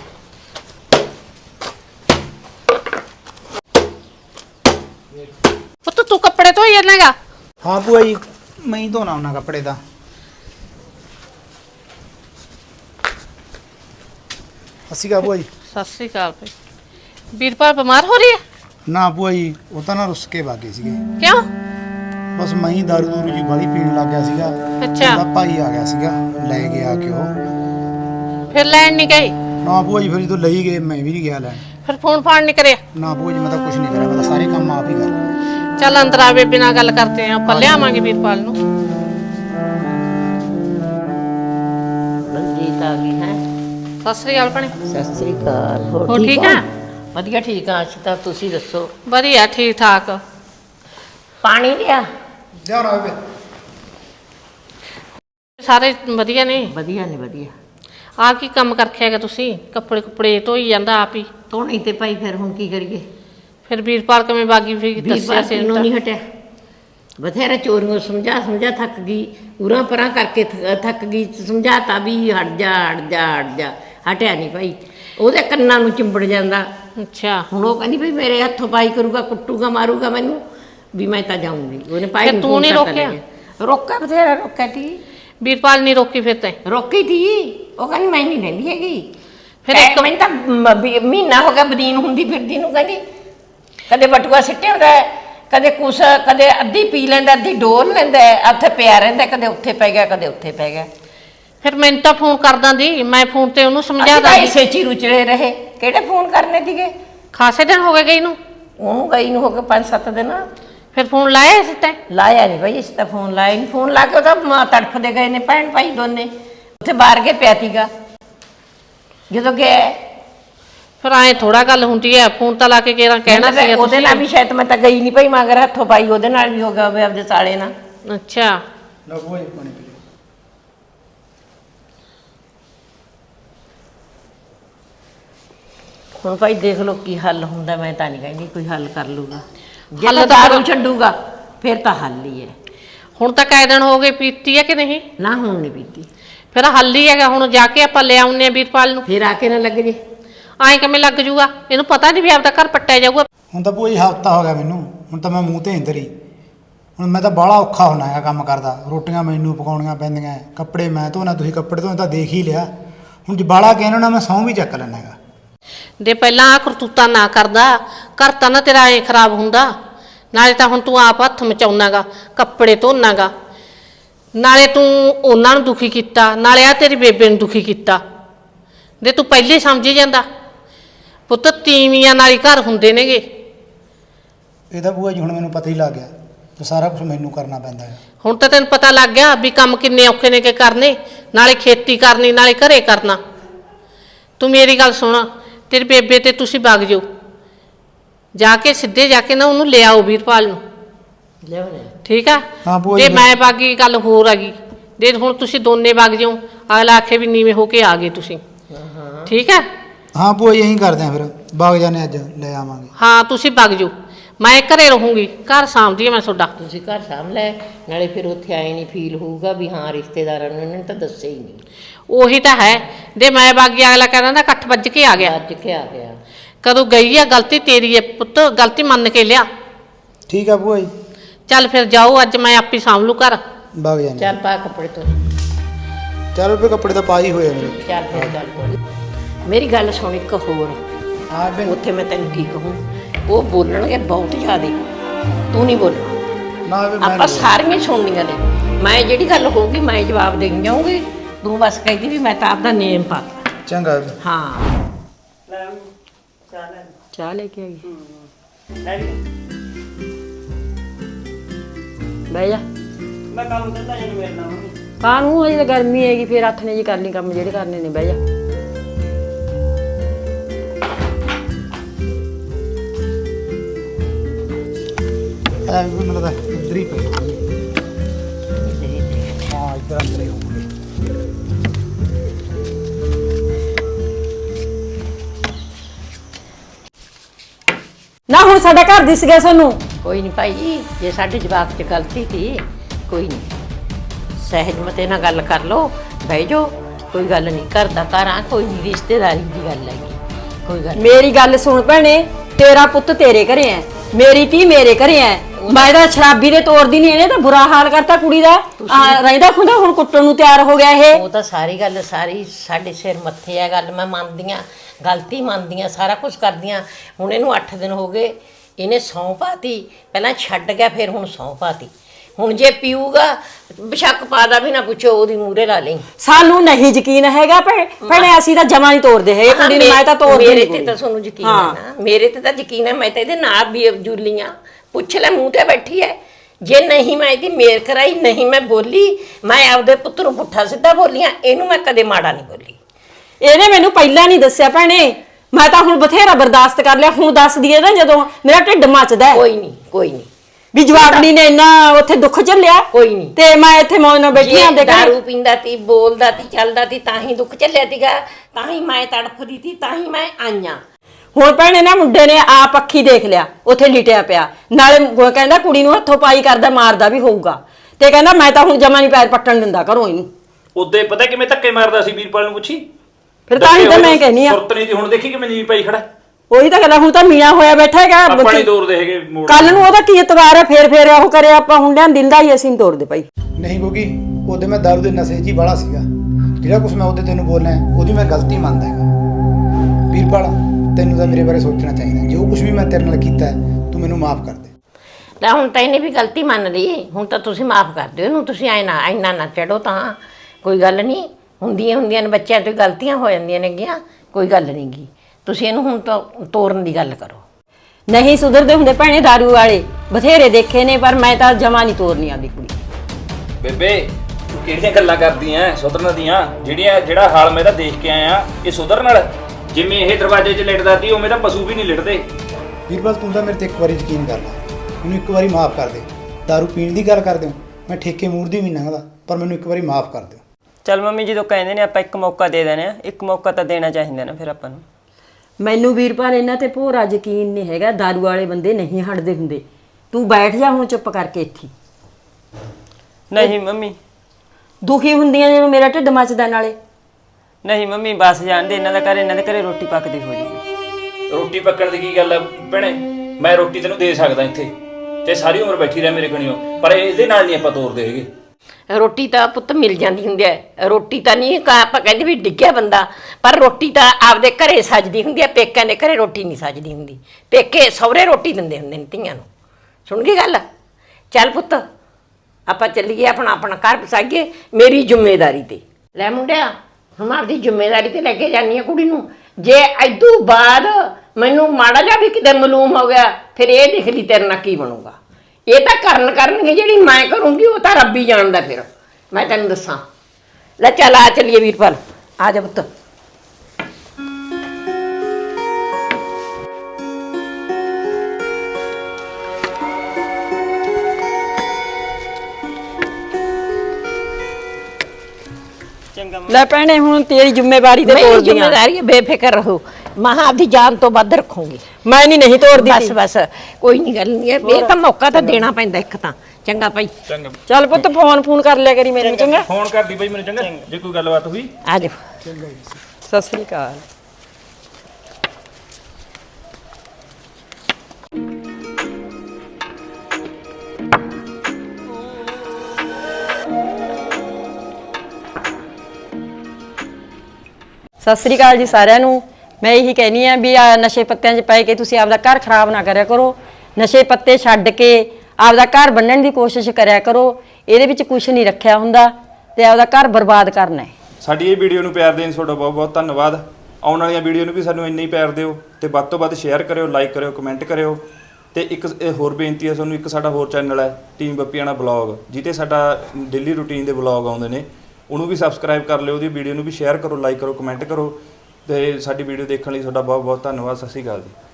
ਪੁੱਤ ਤੂੰ ਕੱਪੜੇ ਧੋਈ ਜਾਂਦਾਗਾ। ਹਾਂ ਭੂਆ ਜੀ ਮੈਂ ਹੀ ਧੋਣਾ ਉਹਨਾਂ ਕੱਪੜੇ ਦਾ। ਅਸੀਂ ਕਾ ਭੂਆ ਜੀ। ਸਤਿ ਸ੍ਰੀ ਅਕਾਲ ਭਾਈ। ਵੀਰਪਾਲ ਬਿਮਾਰ ਹੋ ਰਹੀ ਹੈ? ਨਾ ਭੂਆ ਜੀ ਉਹ ਤਾਂ ਨਾ ਰੁੱਸ ਕੇ ਵਾਗੇ ਸੀਗੇ। ਕਿਉਂ? ਬਸ ਮੈਂ ਹੀ ਦਾਰੂ ਦੂਰੂ ਜੀ ਬਾਲੀ ਪੀਣ ਲੱਗ ਗਿਆ ਸੀਗਾ। ਅੱਛਾ ਉਹਦਾ ਭਾਈ ਆ ਗਿਆ ਸੀਗਾ ਲੈ ਗਿਆ ਕਿ ਉਹ। ਫਿਰ ਲੈਣ ਨਹੀਂ ਗਈ? ਨਾ ਭੂਆ ਜੀ ਫਿਰ ਜਦੋਂ ਲਈ ਗਏ ਮੈਂ ਵੀ ਨਹੀਂ ਗਿਆ ਲੈਣ। ਫਿਰ ਫੋਨ ਫਾਨ ਨਹੀਂ ਕਰਿਆ? ਨਾ ਭੂਆ ਜੀ ਮੈਂ ਤਾਂ ਕੁਝ ਨਹੀਂ ਕਰਿਆ। ਮੈਂ ਤਾਂ ਸਾਰੇ ਕੰਮ ਆਪ ਹੀ ਕਰ ਲਏ। ਚੱਲ ਅੰਦਰ ਆ ਬੇਬੇ ਨਾਲ ਗੱਲ ਕਰਦੇ ਆਂ। ਆਪਾਂ ਲਿਆਵਾਂਗੇ ਵੀਰਪਾਲ ਨੂੰ। ਬਲਜੀਤ ਆ ਗਈ ਹੈ। ਸਤਿ ਸ੍ਰੀ ਅਕਾਲ ਭੈਣੇ। ਸਤਿ ਸ੍ਰੀ ਅਕਾਲ। ਹੋਰ ਠੀਕ ਆ? ਵਧੀਆ ਠੀਕ ਆ। ਅਸੀਂ ਤਾਂ ਤੁਸੀਂ ਦੱਸੋ। ਵਧੀਆ ਠੀਕ ਠਾਕ। ਪਾਣੀ ਲਿਆ। ਲਿਆ ਨਾ ਬੇਬੇ। ਸਾਰੇ ਵਧੀਆ ਨੇ? ਵਧੀਆ ਨੇ ਵਧੀਆ। ਆ ਕੀ ਕੰਮ ਕਰਕੇ ਹੈਗਾ ਤੁਸੀਂ? ਕੱਪੜੇ ਕੁਪੜੇ ਧੋਈ ਜਾਂਦਾ ਆਪ ਹੀ। ਧੋਣੀ ਤੇ ਭਾਈ ਫਿਰ ਹੁਣ ਕੀ ਕਰੀਏ? ਫਿਰ ਵੀਰਪਾਲ ਕਿਵੇਂ ਬਾਗੀ ਫਿਰ ਦੱਸਿਆ ਸੀ ਨੂੰ ਨਹੀਂ ਹਟਿਆ। ਬਥੇਰਾ ਚੋਰੀਆਂ ਸਮਝਾ ਥੱਕ ਗਈ, ਉਰਾਂ ਪਰਾਂ ਕਰਕੇ ਥੱਕ ਗਈ, ਸਮਝਾਤਾ ਵੀ ਹਟ ਜਾ ਹਟਿਆ ਨਹੀਂ ਭਾਈ। ਉਹਦੇ ਕੰਨਾਂ ਨੂੰ ਚਿੰਬੜ ਜਾਂਦਾ। ਅੱਛਾ, ਹੁਣ ਉਹ ਕਹਿੰਦੀ ਵੀ ਮੇਰੇ ਹੱਥੋਂ ਪਾਈ ਕਰੂਗਾ, ਕੁੱਟੂਗਾ, ਮਾਰੂਗਾ ਮੈਨੂੰ, ਵੀ ਮੈਂ ਤਾਂ ਜਾਊਂਗੀ। ਉਹਨੇ ਪਾਈ ਫਿਰ ਤੂੰ ਨਹੀਂ ਰੋਕਿਆ? ਰੋਕਿਆ ਬਥੇਰਾ ਰੋਕਿਆ ਤੀ। ਵੀਰਪਾਲ ਨਹੀਂ ਰੋਕੀ ਫਿਰ ਤੈਂ? ਰੋਕੀ ਤੀ। ਉਹ ਕਹਿੰਦੀ ਮੈਂ ਨਹੀਂ ਰਹਿੰਦੀ ਹੈਗੀ। ਫਿਰ ਇੱਕ ਮੈਨੂੰ ਤਾਂ ਮਹੀਨਾ ਹੋ ਗਿਆ ਬਦੀਨ ਹੁੰਦੀ ਫਿਰਦੀ ਨੂੰ। ਕਹਿੰਦੀ ਕਦੇ ਬਟੂਆ ਸਿੱਟਿਆ ਹੁੰਦਾ, ਕਦੇ ਕੁਛ, ਕਦੇ ਅੱਧੀ ਪੀ ਲੈਂਦਾ, ਅੱਧੀ ਡੋਲ ਲੈਂਦਾ, ਉੱਥੇ ਪਿਆ ਰਹਿੰਦਾ, ਕਦੇ ਉੱਥੇ ਪੈ ਗਿਆ, ਕਦੇ ਉੱਥੇ ਪੈ ਗਿਆ। ਫਿਰ ਮੈਨੂੰ ਤਾਂ ਫੋਨ ਕਰਦਾ ਦੀ, ਮੈਂ ਫੋਨ ਤੇ ਉਹਨੂੰ ਸਮਝਾ ਅਸੀਂ ਤਾਂ ਦਾਂਗੀ। ਇਸੇ ਚ ਹੀ ਰੁਚੜੇ ਰਹੇ। ਕਿਹੜੇ ਫੋਨ ਕਰਨੇ ਸੀਗੇ? ਖਾਸੇ ਦਿਨ ਹੋ ਗਏ ਗਈ ਨੂੰ? ਉਹਨੂੰ ਗਈ ਨੂੰ ਹੋ ਕੇ 5-7 ਦਿਨ। ਫਿਰ ਫੋਨ ਲਾਇਆ ਇਸ ਤੈਂ? ਲਾਇਆ ਨਹੀਂ ਭਾਈ, ਅਸੀਂ ਤਾਂ ਫੋਨ ਲਾਇਆ ਨਹੀਂ। ਫੋਨ ਲਾ ਕੇ ਉਹਦਾ ਮਾਂ ਤੜਫਦੇ ਗਏ ਨੇ ਭੈਣ ਭਾਈ ਦੋਨੇ। ਉੱਥੇ ਬਾਹਰ ਕੇ ਪਿਆ ਤੀਗਾ ਜਦੋਂ ਗਿਆ। ਫਿਰ ਐਂ ਥੋੜਾ ਗੱਲ ਹੁੰਦੀ ਹੈ, ਫੋਨ ਤਾਂ ਲਾ ਕੇ ਕਹਿਣਾ ਸੀ ਉਹਦੇ ਨਾਲ ਵੀ ਸ਼ਾਇਦ ਮੈਂ ਤਾਂ ਗਈ ਨਹੀਂ ਭਾਈ, ਮਗਰ ਹੱਥੋਂ ਪਾਈ ਉਹਦੇ ਨਾਲ ਵੀ ਹੋ ਗਿਆ ਹੋਵੇ ਆਪਦੇ ਸਾਲੇ ਨਾਲ। ਅੱਛਾ, ਨਾ ਉਹ ਪਾਣੀ ਪੀ ਲਓ। ਹੁਣ ਭਾਈ ਦੇਖ ਲਓ ਕੀ ਹੱਲ ਹੁੰਦਾ। ਮੈਂ ਤਾਂ ਨਹੀਂ ਕਹਿੰਦੀ ਕੋਈ ਹੱਲ ਕਰ ਲੂਗਾ। ਜੇ ਹੱਲ ਤਾਂ ਤਾਂ ਦਾਰੂ ਛੱਡੂਗਾ ਫਿਰ ਤਾਂ ਹੱਲ ਹੀ ਹੈ। ਹੁਣ ਤਾਂ ਕਾਇ ਦਿਨ ਹੋ ਗਏ ਪੀਤੀ ਹੈ ਕਿ ਨਹੀਂ? ਨਾ ਹੁਣ ਨਹੀਂ ਪੀਤੀ। ਫਿਰ ਹੱਲ ਹੀ ਹੈਗਾ। ਹੁਣ ਜਾ ਕੇ ਆਪਾਂ ਲੈ ਆਉਂਦੇ ਆ ਵੀਰਪਾਲ ਨੂੰ। ਫਿਰ ਆ ਕੇ ਨਾ ਲੱਗ ਜੇ। ਐਂ ਕਿਵੇਂ ਲੱਗ ਜੂਗਾ? ਇਹਨੂੰ ਪਤਾ ਨਹੀਂ ਵੀ ਆਪਦਾ ਘਰ ਪੱਟਿਆ ਜਾਊਗਾ। ਹੁਣ ਤਾਂ ਭੂਆ ਜੀ ਹਫ਼ਤਾ ਹੋ ਗਿਆ ਮੈਨੂੰ। ਹੁਣ ਤਾਂ ਮੈਂ ਮੂੰਹ ਤੇ ਇੰਦਰੀ। ਹੁਣ ਮੈਂ ਤਾਂ ਬਾਹਲਾ ਔਖਾ ਹੋਣਾ ਹੈਗਾ ਕੰਮ ਕਰਦਾ। ਰੋਟੀਆਂ ਮੈਨੂੰ ਪਕਾਉਣੀਆਂ ਪੈਂਦੀਆਂ, ਕੱਪੜੇ ਮੈਂ ਧੋਣਾ। ਤੁਸੀਂ ਕੱਪੜੇ ਧੋਣੇ ਤਾਂ ਦੇਖ ਹੀ ਲਿਆ। ਹੁਣ ਜੇ ਬਾਹਲਾ ਕਹਿਣਾ ਨਾ, ਮੈਂ ਸਹੁੰ ਵੀ ਚੱਕ ਲੈਣਾ ਹੈਗਾ। ਦੇ ਪਹਿਲਾਂ ਆ ਕਰਤੂਤਾ ਨਾ ਕਰਦਾ, ਘਰ ਤਾਂ ਨਾ ਤੇਰਾ ਐ ਖਰਾਬ ਹੁੰਦਾ। ਨਾਲੇ ਤਾਂ ਹੁਣ ਤੂੰ ਆਪ ਹੱਥ ਮਚਾਉਣਾਗਾ, ਕੱਪੜੇ ਧੋਣਾਗਾ, ਨਾਲੇ ਤੂੰ ਉਹਨਾਂ ਨੂੰ ਦੁਖੀ ਕੀਤਾ, ਨਾਲੇ ਆ ਤੇਰੀ ਬੇਬੇ ਨੂੰ ਦੁਖੀ ਕੀਤਾ। ਦੇ ਤੂੰ ਪਹਿਲੇ ਸਮਝੀ ਜਾਂਦਾ। ਪੁੱਤ ਤੀਵੀਆਂ ਨਾਲ ਹੀ ਘਰ ਹੁੰਦੇ ਨੇਗੇ। ਇਹ ਤਾਂ ਭੂਆ ਜੀ ਹੁਣ ਮੈਨੂੰ ਪਤਾ ਹੀ ਲੱਗ ਗਿਆ ਤੇ ਸਾਰਾ ਕੁਝ ਮੈਨੂੰ ਕਰਨਾ ਪੈਂਦਾ ਹੈ। ਹੁਣ ਤਾਂ ਤੈਨੂੰ ਪਤਾ ਲੱਗ ਗਿਆ ਵੀ ਕੰਮ ਕਿੰਨੇ ਔਖੇ ਨੇ ਕਿ ਕਰਨੇ, ਨਾਲੇ ਖੇਤੀ ਕਰਨੀ, ਨਾਲੇ ਘਰੇ ਕਰਨਾ। ਤੂੰ ਮੇਰੀ ਗੱਲ ਸੁਣ, ਤੇਰੀ ਬੇਬੇ ਤੇ ਤੁਸੀਂ ਵਗ ਜਾਓ, ਜਾ ਕੇ ਸਿੱਧੇ ਜਾ ਕੇ ਨਾ ਉਹਨੂੰ ਲਿਆਓ ਵੀਰਪਾਲ ਨੂੰ। ਲਿਆਉਣੇ ਠੀਕ ਆ? ਹਾਂ ਭੂਆ ਤੇ ਜੀ। ਮੈਂ ਬਾਕੀ ਗੱਲ ਹੋਰ ਆ ਗਈ। ਦੇ ਹੁਣ ਤੁਸੀਂ ਦੋਨੇ ਵਗ ਜਾਓ, ਅਗਲਾ ਆਖੇ ਵੀ ਨੀਵੇਂ ਹੋ ਕੇ ਆ ਗਏ ਤੁਸੀਂ। ਠੀਕ ਹੈ? ਹਾਂ ਭੂਆ ਜੀ, ਇਹੀ ਕਰਦੇ ਆ ਫਿਰ। ਵਗ ਜਾਣੇ ਅੱਜ ਲੈ ਆਵਾਂਗੇ। ਹਾਂ ਤੁਸੀਂ ਵਗ ਜਾਓ, ਮੈਂ ਘਰੇ ਰਹੂੰਗੀ, ਘਰ ਸਾਂਭਦੀ ਆ ਮੈਂ ਤੁਹਾਡਾ। ਤੁਸੀਂ ਘਰ ਸਾਂਭ ਲੈ, ਨਾਲੇ ਫਿਰ ਉੱਥੇ ਆਏ ਨਹੀਂ ਫੀਲ ਹੋਊਗਾ ਵੀ ਹਾਂ ਰਿਸ਼ਤੇਦਾਰਾਂ ਨੂੰ ਇਹਨਾਂ ਨੇ ਤਾਂ ਦੱਸਿਆ ਹੀ ਨਹੀਂ। ਉਹੀ ਤਾਂ ਹੈ। ਦੇ ਮੈਂ ਬਾਗੀ ਅਗਲਾ ਕਹਿੰਦਾ ਨਾ 8 ਵਜੇ ਕੇ ਆ ਗਿਆ। ਅੱਜ ਕੇ ਆ ਗਿਆ। ਕਦੋਂ ਗਈ ਆ? ਗਲਤੀ ਤੇਰੀ ਹੈ ਪੁੱਤ, ਗਲਤੀ ਮੰਨ ਕੇ ਲਿਆ। ਠੀਕ ਆ ਭੂਆ ਜੀ, ਚੱਲ ਫਿਰ ਜਾਓ, ਅੱਜ ਮੈਂ ਆਪੇ ਸਾਂਭ ਲੂ ਘਰ। ਵਗ ਜਾਣੇ। ਚੱਲ ਪਾ ਕੱਪੜੇ ਤੋਂ। ਚੱਲ ਫਿਰ ਕੱਪੜੇ ਤਾਂ ਪਾ ਹੀ ਹੋਏ ਆ ਮੇਰੇ। ਚੱਲ ਫਿਰ ਚੱਲ ਕੋਈ। ਮੇਰੀ ਗੱਲ ਸੁਣ ਇੱਕ ਹੋਰ। ਹਾਂ ਬੇ। ਉੱਥੇ ਮੈਂ ਤੈਨੂੰ ਕੀ ਕਹੂੰ, ਉਹ ਬੋਲਣਗੇ ਬਹੁਤ ਜ਼ਿਆਦੇ, ਤੂੰ ਨਹੀਂ ਬੋਲਣਾ। ਨਾ ਬੇ, ਮੈਂ ਆਪਾਂ ਨਹੀਂ ਸਾਰੀਆਂ ਸੁਣਨੀਆਂ ਨੇ। ਮੈਂ ਜਿਹੜੀ ਗੱਲ ਹੋਊਗੀ ਮੈਂ ਜਵਾਬ ਦੇਣ ਜਾਊਂਗੀ। ਤੂੰ ਬਸ ਕਹਿੰਦੀ ਵੀ ਮੈਂ ਤਾਂ ਆਪਦਾ ਨੇਮ ਪਾ। ਚੰਗਾ ਬੇ। ਹਾਂ ਚਾਹ ਲੈ ਕੇ ਆਈ। ਬਹਿ ਜਾ। ਮੈਂ ਕੰਮ ਦਿੰਦਾ ਜੀ ਮੇਰੇ ਨਾਲ। ਕਾਹਨੂੰ ਹਜੇ ਤਾਂ ਗਰਮੀ ਹੈਗੀ, ਫਿਰ ਹੱਥ ਨੇ ਜੀ ਕਰ ਲਈ ਕੰਮ ਜਿਹੜੇ ਕਰਨੇ ਨੇ। ਬਹਿ ਜਾ। ਐ ਵੀ ਮੈਨੂੰ ਤਾਂ ਇੱਧਰ ਹੀ ਪਈ ਹੋਈ ਹੈ। ਹਾਂ ਇੱਧਰ ਅੰਦਰ ਹੀ ਹੋਊਗੀ। ਨਾ ਹੁਣ ਸਾਡਾ ਘਰ ਦਿਸ ਗਿਆ ਸਾਨੂੰ। ਕੋਈ ਨਹੀਂ ਭਾਈ ਜੀ, ਜੇ ਸਾਡੇ ਜਵਾਬ 'ਚ ਗਲਤੀ ਸੀ ਕੋਈ ਨਹੀਂ, ਸਹਿਜ ਮਤੇ ਨਾਲ ਗੱਲ ਕਰ ਲਓ, ਬਹਿ ਜਾਓ, ਕੋਈ ਗੱਲ ਨਹੀਂ। ਘਰ ਦਾ ਘਰ ਆ, ਕੋਈ ਨਹੀਂ, ਰਿਸ਼ਤੇਦਾਰੀ ਦੀ ਗੱਲ ਹੈਗੀ, ਕੋਈ ਗੱਲ ਨਹੀਂ। ਮੇਰੀ ਗੱਲ ਸੁਣ ਭੈਣੇ, ਤੇਰਾ ਪੁੱਤ ਤੇਰੇ ਘਰੇ ਐ, ਮੇਰੀ ਧੀ ਮੇਰੇ ਘਰੇ ਐ। ਮੈਂ ਤਾਂ ਸ਼ਰਾਬੀ ਦੇ ਤੋੜਦੀ ਨਹੀਂ, ਇਹਨੇ ਤਾਂ ਬੁਰਾ ਹਾਲ ਕਰਤਾ ਕੁੜੀ ਦਾ। ਰਹਿੰਦਾ ਖੁੰਦਾ ਹੁਣ ਕੁੱਟਣ ਨੂੰ ਤਿਆਰ ਹੋ ਗਿਆ ਇਹ। ਉਹ ਤਾਂ ਸਾਰੀ ਗੱਲ ਸਾਰੀ ਸਾਡੇ ਸਿਰ ਮੱਥੇ ਆ। ਗੱਲ ਮੈਂ ਮੰਨਦੀ ਹਾਂ, ਗਲਤੀ ਮੰਨਦੀ ਹਾਂ, ਸਾਰਾ ਕੁਝ ਕਰਦੀ ਹਾਂ। ਹੁਣ ਇਹਨੂੰ 8 ਦਿਨ ਹੋ ਗਏ, ਇਹਨੇ ਸਹੁੰ ਪਾਤੀ। ਪਹਿਲਾਂ ਛੱਡ ਗਿਆ, ਫਿਰ ਹੁਣ ਸਹੁੰ ਪਾਤੀ। ਹੁਣ ਜੇ ਪੀਊਗਾ ਬਸ਼ੱਕ ਪਾਦਾ ਵੀ ਨਾ ਪੁੱਛੋ, ਉਹਦੀ ਮੂਹਰੇ ਲਾ ਲਈ। ਸਾਨੂੰ ਨਹੀਂ ਯਕੀਨ ਹੈਗਾ ਭੈਣੇ, ਅਸੀਂ ਤਾਂ ਜਮਾ ਨਹੀਂ ਤੋੜਦੇ ਹੈ ਕੁੜੀ ਨੂੰ। ਮੈਂ ਤਾਂ ਤੋੜਦੀ ਮੇਰੇ ਨਹੀਂ। ਤੇ ਤਾਂ ਤੁਹਾਨੂੰ ਯਕੀਨ ਹੈ ਨਾ, ਮੇਰੇ ਤੇ ਤਾਂ ਯਕੀਨ ਹੈ। ਮੈਂ ਤਾਂ ਇਹਦੇ ਨਾਲ ਵੀ ਜੁਲੀਆਂ, ਪੁੱਛ ਲੈ, ਮੂੰਹ ਤੇ ਬੈਠੀ ਹੈ। ਜੇ ਨਹੀਂ ਮੈਂ ਇਹਦੀ ਮੇਰ ਕਰਾਈ, ਨਹੀਂ ਮੈਂ ਬੋਲੀ, ਮੈਂ ਆਪਦੇ ਪੁੱਤ ਨੂੰ ਪੁੱਠਾ ਸਿੱਧਾ ਬੋਲੀਆਂ, ਇਹਨੂੰ ਮੈਂ ਕਦੇ ਮਾੜਾ ਨਹੀਂ ਬੋਲੀ। ਇਹਨੇ ਮੈਨੂੰ ਪਹਿਲਾਂ ਨਹੀਂ ਦੱਸਿਆ ਭੈਣੇ, ਮੈਂ ਤਾਂ ਹੁਣ ਬਥੇਰਾ ਬਰਦਾਸ਼ਤ ਕਰ ਲਿਆ। ਹੁਣ ਦੱਸ ਦਈਏ ਨਾ ਜਦੋਂ ਮੇਰਾ ਢਿੱਡ ਮੱਚਦਾ। ਕੋਈ ਨਹੀਂ, ਕੋਈ ਨਹੀਂ, ਵੀ ਜਵਾਕੜੀ ਨੇ ਇੰਨਾ ਉੱਥੇ ਦੁੱਖ ਝੱਲਿਆ ਕੋਈ ਨਹੀਂ। ਤੇ ਮੈਂ ਇੱਥੇ ਮੌਜ ਨਾਲ ਬੈਠੀ ਆਂ ਦੇ ਘਰੇ। ਦਾਰੂ ਪੀਂਦਾ ਤੀ, ਬੋਲਦਾ ਤੀ, ਚੱਲਦਾ ਤੀ, ਤਾਂ ਹੀ ਦੁੱਖ ਚੱਲਿਆ ਤੀਗਾ, ਤਾਂ ਹੀ ਮੈਂ ਤੜਫਦੀ ਤੀ, ਤਾਂ ਹੀ ਮੈਂ ਆਈਆਂ। ਹੁਣ ਭੈਣੇ ਨਾ ਮੁੰਡੇ ਨੇ ਆਪ ਅੱਖੀ ਦੇਖ ਲਿਆ ਉੱਥੇ ਲਿਟਿਆ ਪਿਆ, ਨਾਲੇ ਕਹਿੰਦਾ ਕੁੜੀ ਨੂੰ ਹੱਥੋਂ ਪਾਈ ਕਰਦਾ, ਮਾਰਦਾ ਵੀ ਹੋਊਗਾ, ਤੇ ਕਹਿੰਦਾ ਮੈਂ ਤਾਂ ਹੁਣ ਜਮਾ ਨਹੀਂ ਪੈਰ ਪੱਟਣ ਦਿੰਦਾ ਘਰੋਂ ਇਹਨੂੰ। ਉਦੋਂ ਪਤਾ ਕਿਵੇਂ ਧੱਕੇ ਮਾਰਦਾ ਸੀ ਵੀਰਪਾਲ ਨੂੰ, ਪੁੱਛੀ ਫਿਰ ਤਾਂ ਹੀ ਤਾਂ ਮੈਂ ਕਹਿੰਨੀ ਆ, ਸੁਰਤ ਨਹੀਂ ਦੀ, ਹੁਣ ਦੇਖੀ ਕਿਵੇਂ ਨੀਵੀਂ ਪਾਈ ਖੜਾ। ਉਹੀ ਤਾਂ ਗੱਲ ਆ, ਹੁਣ ਤਾਂ ਮੀਆਂ ਹੋਇਆ ਬੈਠਾ ਹੈਗਾ। ਆਪਾਂ ਨਹੀਂ ਤੋਰਦੇ ਹੈਗੇ ਮੋੜ। ਕੱਲ ਨੂੰ ਉਹਦਾ ਕੀ ਇਤਵਾਰ ਹੈ, ਫੇਰ ਉਹ ਕਰੇ, ਆਪਾਂ ਹੁੰਡਿਆਂ ਦਿੰਦਾ ਹੀ ਅਸੀਂ ਨੀ ਤੋਰਦੇ ਭਾਈ। ਨਹੀਂ ਕਿਉਂਕਿ ਉਹਦੇ ਮੈਂ ਦਾਰੂ ਦੇ ਨਸ਼ੇ 'ਚ ਹੀ ਬਾਹਲਾ ਸੀਗਾ, ਜਿਹੜਾ ਕੁਝ ਮੈਂ ਉਹਦੇ ਤੈਨੂੰ ਬੋਲਿਆ ਉਹਦੀ ਮੈਂ ਗਲਤੀ ਮੰਨਦਾ ਹੈਗਾ। ਵੀਰਪਾਲ ਤੈਨੂੰ ਤਾਂ ਮੇਰੇ ਬਾਰੇ ਸੋਚਣਾ ਚਾਹੀਦਾ, ਜੋ ਕੁਝ ਵੀ ਮੈਂ ਤੇਰੇ ਨਾਲ ਕੀਤਾ ਹੈ, ਤੂੰ ਮੈਨੂੰ ਮਾਫ ਕਰ ਦੇ। ਲੈ ਹੁਣ ਤਾਂ ਇਹਨੇ ਵੀ ਗਲਤੀ ਮੰਨ ਲਈ, ਹੁਣ ਤਾਂ ਤੁਸੀਂ ਮਾਫ ਕਰ ਦਿਓ ਇਹਨੂੰ। ਤੁਸੀਂ ਇੰਨਾ ਨਾ ਚੜੋ, ਤਾਂ ਕੋਈ ਗੱਲ ਨਹੀਂ, ਹੁੰਦੀਆਂ ਨੇ ਬੱਚਿਆਂ ਤੋਂ ਗਲਤੀਆਂ ਹੋ ਜਾਂਦੀਆਂ ਨੇਗੀਆਂ, ਕੋਈ ਗੱਲ ਨਹੀਂ ਗੀ। ਤੁਸੀਂ ਇਹਨੂੰ ਹੁਣ ਤਾਂ ਤੋਰਨ ਦੀ ਗੱਲ ਕਰੋ। ਨਹੀਂ ਸੁਧਰਦੇ ਹੁੰਦੇ ਭੈਣੇ ਦਾਰੂ ਵਾਲੇ, ਬਥੇਰੇ ਦੇਖੇ ਨੇ, ਪਰ ਮੈਂ ਤਾਂ ਜਮਾ ਨਹੀਂ ਤੋਰਨੀ ਆਦੀ ਕੁੜੀ। ਬੇਬੇ ਤੂੰ ਕਿਹੜੀਆਂ ਗੱਲਾਂ ਕਰਦੀ ਐ ਸੁਧਰਨ ਦੀਆਂ? ਜਿਹੜਾ ਹਾਲ ਮੈਂ ਤਾਂ ਦੇਖ ਕੇ ਆਇਆ, ਇਹ ਸੁਧਰਨ ਨਾਲ ਜਿਵੇਂ ਇਹ ਦਰਵਾਜ਼ੇ 'ਚ ਲਿਟਦਾ ਸੀ, ਉਵੇਂ ਤਾਂ ਪਸ਼ੂ ਵੀ ਨਹੀਂ ਲਿਟਦੇ। ਵੀਰਪਾਲ ਤੂੰ ਤਾਂ ਮੇਰੇ ਤੇ ਇੱਕ ਵਾਰੀ ਯਕੀਨ ਕਰ ਲੈ, ਮੈਨੂੰ ਇੱਕ ਵਾਰੀ ਮਾਫ ਕਰ ਦੇ। ਦਾਰੂ ਪੀਣ ਦੀ ਗੱਲ ਕਰਦੇ ਹੋ, ਮੈਂ ਠੇਕੇ ਮੂਰਦੀ ਵੀ ਲੰਘਦਾ, ਪਰ ਮੈਨੂੰ ਇੱਕ ਵਾਰੀ ਮਾਫ ਕਰ ਦਿਓ। ਚੱਲ ਮੰਮੀ ਜਦੋਂ ਕਹਿੰਦੇ ਨੇ ਆਪਾਂ ਇੱਕ ਮੌਕਾ ਦੇ ਦੇਣਾ ਆ, ਇੱਕ ਮੌਕਾ ਤਾਂ ਦੇਣਾ ਚਾਹੀਦਾ ਨਾ ਫਿਰ ਆਪਾਂ ਨੂੰ। ਮੈਨੂੰ ਵੀਰਪਾਲ ਇਹਨਾਂ ਤੇ ਭੋਰਾ ਯਕੀਨ ਨਹੀਂ ਹੈਗਾ, ਦਾਰੂ ਵਾਲੇ ਬੰਦੇ ਨਹੀਂ ਹਟਦੇ ਹੁੰਦੇ। ਤੂੰ ਬੈਠ ਜਾ ਹੁਣ ਚੁੱਪ ਕਰਕੇ ਇੱਥੇ। ਨਹੀਂ ਮੰਮੀ, ਦੁਖੀ ਹੁੰਦੀਆਂ ਜਦੋਂ ਮੇਰਾ ਢਿੱਡ ਮੱਚਦਾ ਨਾਲੇ। ਨਹੀਂ ਮੰਮੀ ਬਸ ਜਾਣ ਦੇ, ਇਹਨਾਂ ਦੇ ਘਰੇ ਰੋਟੀ ਪੱਕਦੀ ਹੋ ਜੂਗੀ। ਰੋਟੀ ਪੱਕਣ ਦੀ ਕੀ ਗੱਲ ਐ ਭੈਣੇ? ਮੈਂ ਰੋਟੀ ਤੈਨੂੰ ਦੇ ਸਕਦਾ ਇੱਥੇ, ਤੇ ਸਾਰੀ ਉਮਰ ਬੈਠੀ ਰਹਿ ਮੇਰੇ ਕਣੀਓ, ਪਰ ਇਹਦੇ ਨਾਲ ਨਹੀਂ ਆਪਾਂ ਤੋਰਦੇ ਹੈਗੇ। ਰੋਟੀ ਤਾਂ ਪੁੱਤ ਮਿਲ ਜਾਂਦੀ ਹੁੰਦੀ ਹੈ, ਰੋਟੀ ਤਾਂ ਨਹੀਂ ਆਪਾਂ ਕਹਿੰਦੇ ਵੀ ਡਿੱਗਿਆ ਬੰਦਾ, ਪਰ ਰੋਟੀ ਤਾਂ ਆਪਦੇ ਘਰੇ ਸੱਜਦੀ ਹੁੰਦੀ ਹੈ, ਪੇਕਿਆਂ ਦੇ ਘਰੇ ਰੋਟੀ ਨਹੀਂ ਸੱਜਦੀ ਹੁੰਦੀ। ਪੇਕੇ ਸਹੁਰੇ ਰੋਟੀ ਦਿੰਦੇ ਹੁੰਦੇ ਨੇ ਧੀਆਂ ਨੂੰ। ਸੁਣ ਗਈ ਗੱਲ? ਚੱਲ ਪੁੱਤ ਆਪਾਂ ਚੱਲੀਏ, ਆਪਣਾ ਘਰ ਵਸਾਈਏ ਮੇਰੀ ਜ਼ਿੰਮੇਵਾਰੀ ਤੇ। ਲੈ ਮੁੰਡਿਆ, ਹੁਣ ਮੈਂ ਆਪਦੀ ਜ਼ਿੰਮੇਵਾਰੀ ਤੇ ਲੈ ਕੇ ਜਾਨੀ ਆ ਕੁੜੀ ਨੂੰ। ਜੇ ਐਦੂ ਬਾਅਦ ਮੈਨੂੰ ਮਾੜਾ ਜਿਹਾ ਵੀ ਕਿਤੇ ਮਾਲੂਮ ਹੋ ਗਿਆ, ਫਿਰ ਇਹ ਦੇਖ ਲਈ ਤੇਰੇ ਨਾਲ ਕੀ ਬਣੂਗਾ। ਇਹ ਤਾਂ ਕਰਨਗੇ, ਜਿਹੜੀ ਮੈਂ ਕਰੂੰਗੀ ਉਹ ਤਾਂ ਰੱਬ ਹੀ ਜਾਣਦਾ। ਫਿਰ ਮੈਂ ਤੈਨੂੰ ਦੱਸਾਂ। ਲੈ ਚੱਲ ਆ ਚੱਲੀਏ ਵੀਰਪਾਲ, ਆ ਜਾ ਪੁੱਤ। ਚੰਗਾ ਲੈ ਭੈਣੇ ਹੁਣ ਤੇਰੀ ਜ਼ਿੰਮੇਵਾਰੀ ਤੇ ਮੇਰੀ ਤੋਰਦੀਆਂ। ਜ਼ਿੰਮੇਵਾਰੀ ਹੈ, ਬੇਫਿਕਰ ਰਹੋ। ਮੈਂ ਆਪਦੀ ਜਾਨ ਤੋਂ ਵੱਧ ਰੱਖੂੰਗੀ। ਮੈਂ ਨਹੀਂ ਤੋਰਦੀ। ਬਸ ਕੋਈ ਨਹੀਂ ਗੱਲ ਨਹੀਂ, ਇਹ ਤਾਂ ਮੌਕਾ ਤਾਂ ਦੇਣਾ ਪੈਂਦਾ ਇੱਕ ਤਾਂ। ਚੰਗਾ ਭਾਈ, ਚੰਗਾ ਚੱਲ ਪੁੱਤ ਫੋਨ ਕਰ ਲਿਆ ਕਰੀ ਮੈਨੂੰ, ਚੰਗਾ? ਫੋਨ ਕਰਦੀ ਬਈ ਮੈਨੂੰ, ਚੰਗਾ ਜੇ ਕੋਈ ਗੱਲਬਾਤ ਹੋਈ। ਆ ਜਾ। ਸਤਿ ਸ੍ਰੀ ਅਕਾਲ। ਸਤਿ ਸ੍ਰੀ ਅਕਾਲ ਜੀ ਸਾਰਿਆਂ ਨੂੰ। ਮੈਂ ਇਹੀ ਕਹਿਨੀ ਆ ਵੀ ਆ ਨਸ਼ੇ ਪੱਤਿਆਂ 'ਚ ਪੈ ਕੇ ਤੁਸੀਂ ਆਪਦਾ ਘਰ ਖਰਾਬ ਨਾ ਕਰਿਆ ਕਰੋ। ਨਸ਼ੇ ਪੱਤੇ ਛੱਡ ਕੇ ਆਪਦਾ ਘਰ ਬੰਨਣ ਦੀ ਕੋਸ਼ਿਸ਼ ਕਰਿਆ ਕਰੋ। ਇਹਦੇ ਵਿੱਚ ਕੁਝ ਨਹੀਂ ਰੱਖਿਆ ਹੁੰਦਾ ਤੇ ਆਪਦਾ ਘਰ ਬਰਬਾਦ ਕਰਨਾ ਹੈ। ਸਾਡੀ ਇਹ ਵੀਡੀਓ ਨੂੰ ਪਿਆਰ ਦੇਣ ਲਈ ਤੁਹਾਡਾ ਬਹੁਤ ਬਹੁਤ ਧੰਨਵਾਦ। ਆਉਣ ਵਾਲੀਆਂ ਵੀਡੀਓ ਨੂੰ ਵੀ ਸਾਨੂੰ ਇੰਨਾ ਹੀ ਪਿਆਰ ਦਿਓ ਤੇ ਵੱਧ ਤੋਂ ਵੱਧ ਸ਼ੇਅਰ ਕਰਿਓ, ਲਾਈਕ ਕਰਿਓ, ਕਮੈਂਟ ਕਰਿਓ। ਤੇ ਇੱਕ ਹੋਰ ਬੇਨਤੀ ਹੈ ਤੁਹਾਨੂੰ, ਇੱਕ ਸਾਡਾ ਹੋਰ ਚੈਨਲ ਹੈ ਟੀਮ ਬੱਪੀਆਣਾ ਬਲੌਗ, ਜਿੱਤੇ ਸਾਡਾ ਡੇਲੀ ਰੂਟੀਨ ਦੇ ਬਲੌਗ ਆਉਂਦੇ ਨੇ। ਉਹਨੂੰ ਵੀ ਸਬਸਕ੍ਰਾਈਬ ਕਰ ਲਿਓ, ਉਹਦੀ ਵੀਡੀਓ ਨੂੰ ਵੀ ਸ਼ੇਅਰ ਕਰੋ, ਲਾਈਕ ਕਰੋ, ਕਮੈਂਟ ਕਰੋ। ਤੇ ਸਾਡੀ ਵੀਡੀਓ ਦੇਖਣ ਲਈ ਤੁਹਾਡਾ ਬਹੁਤ ਬਹੁਤ ਧੰਨਵਾਦ। ਸਤਿ ਸ਼੍ਰੀ ਅਕਾਲ ਜੀ।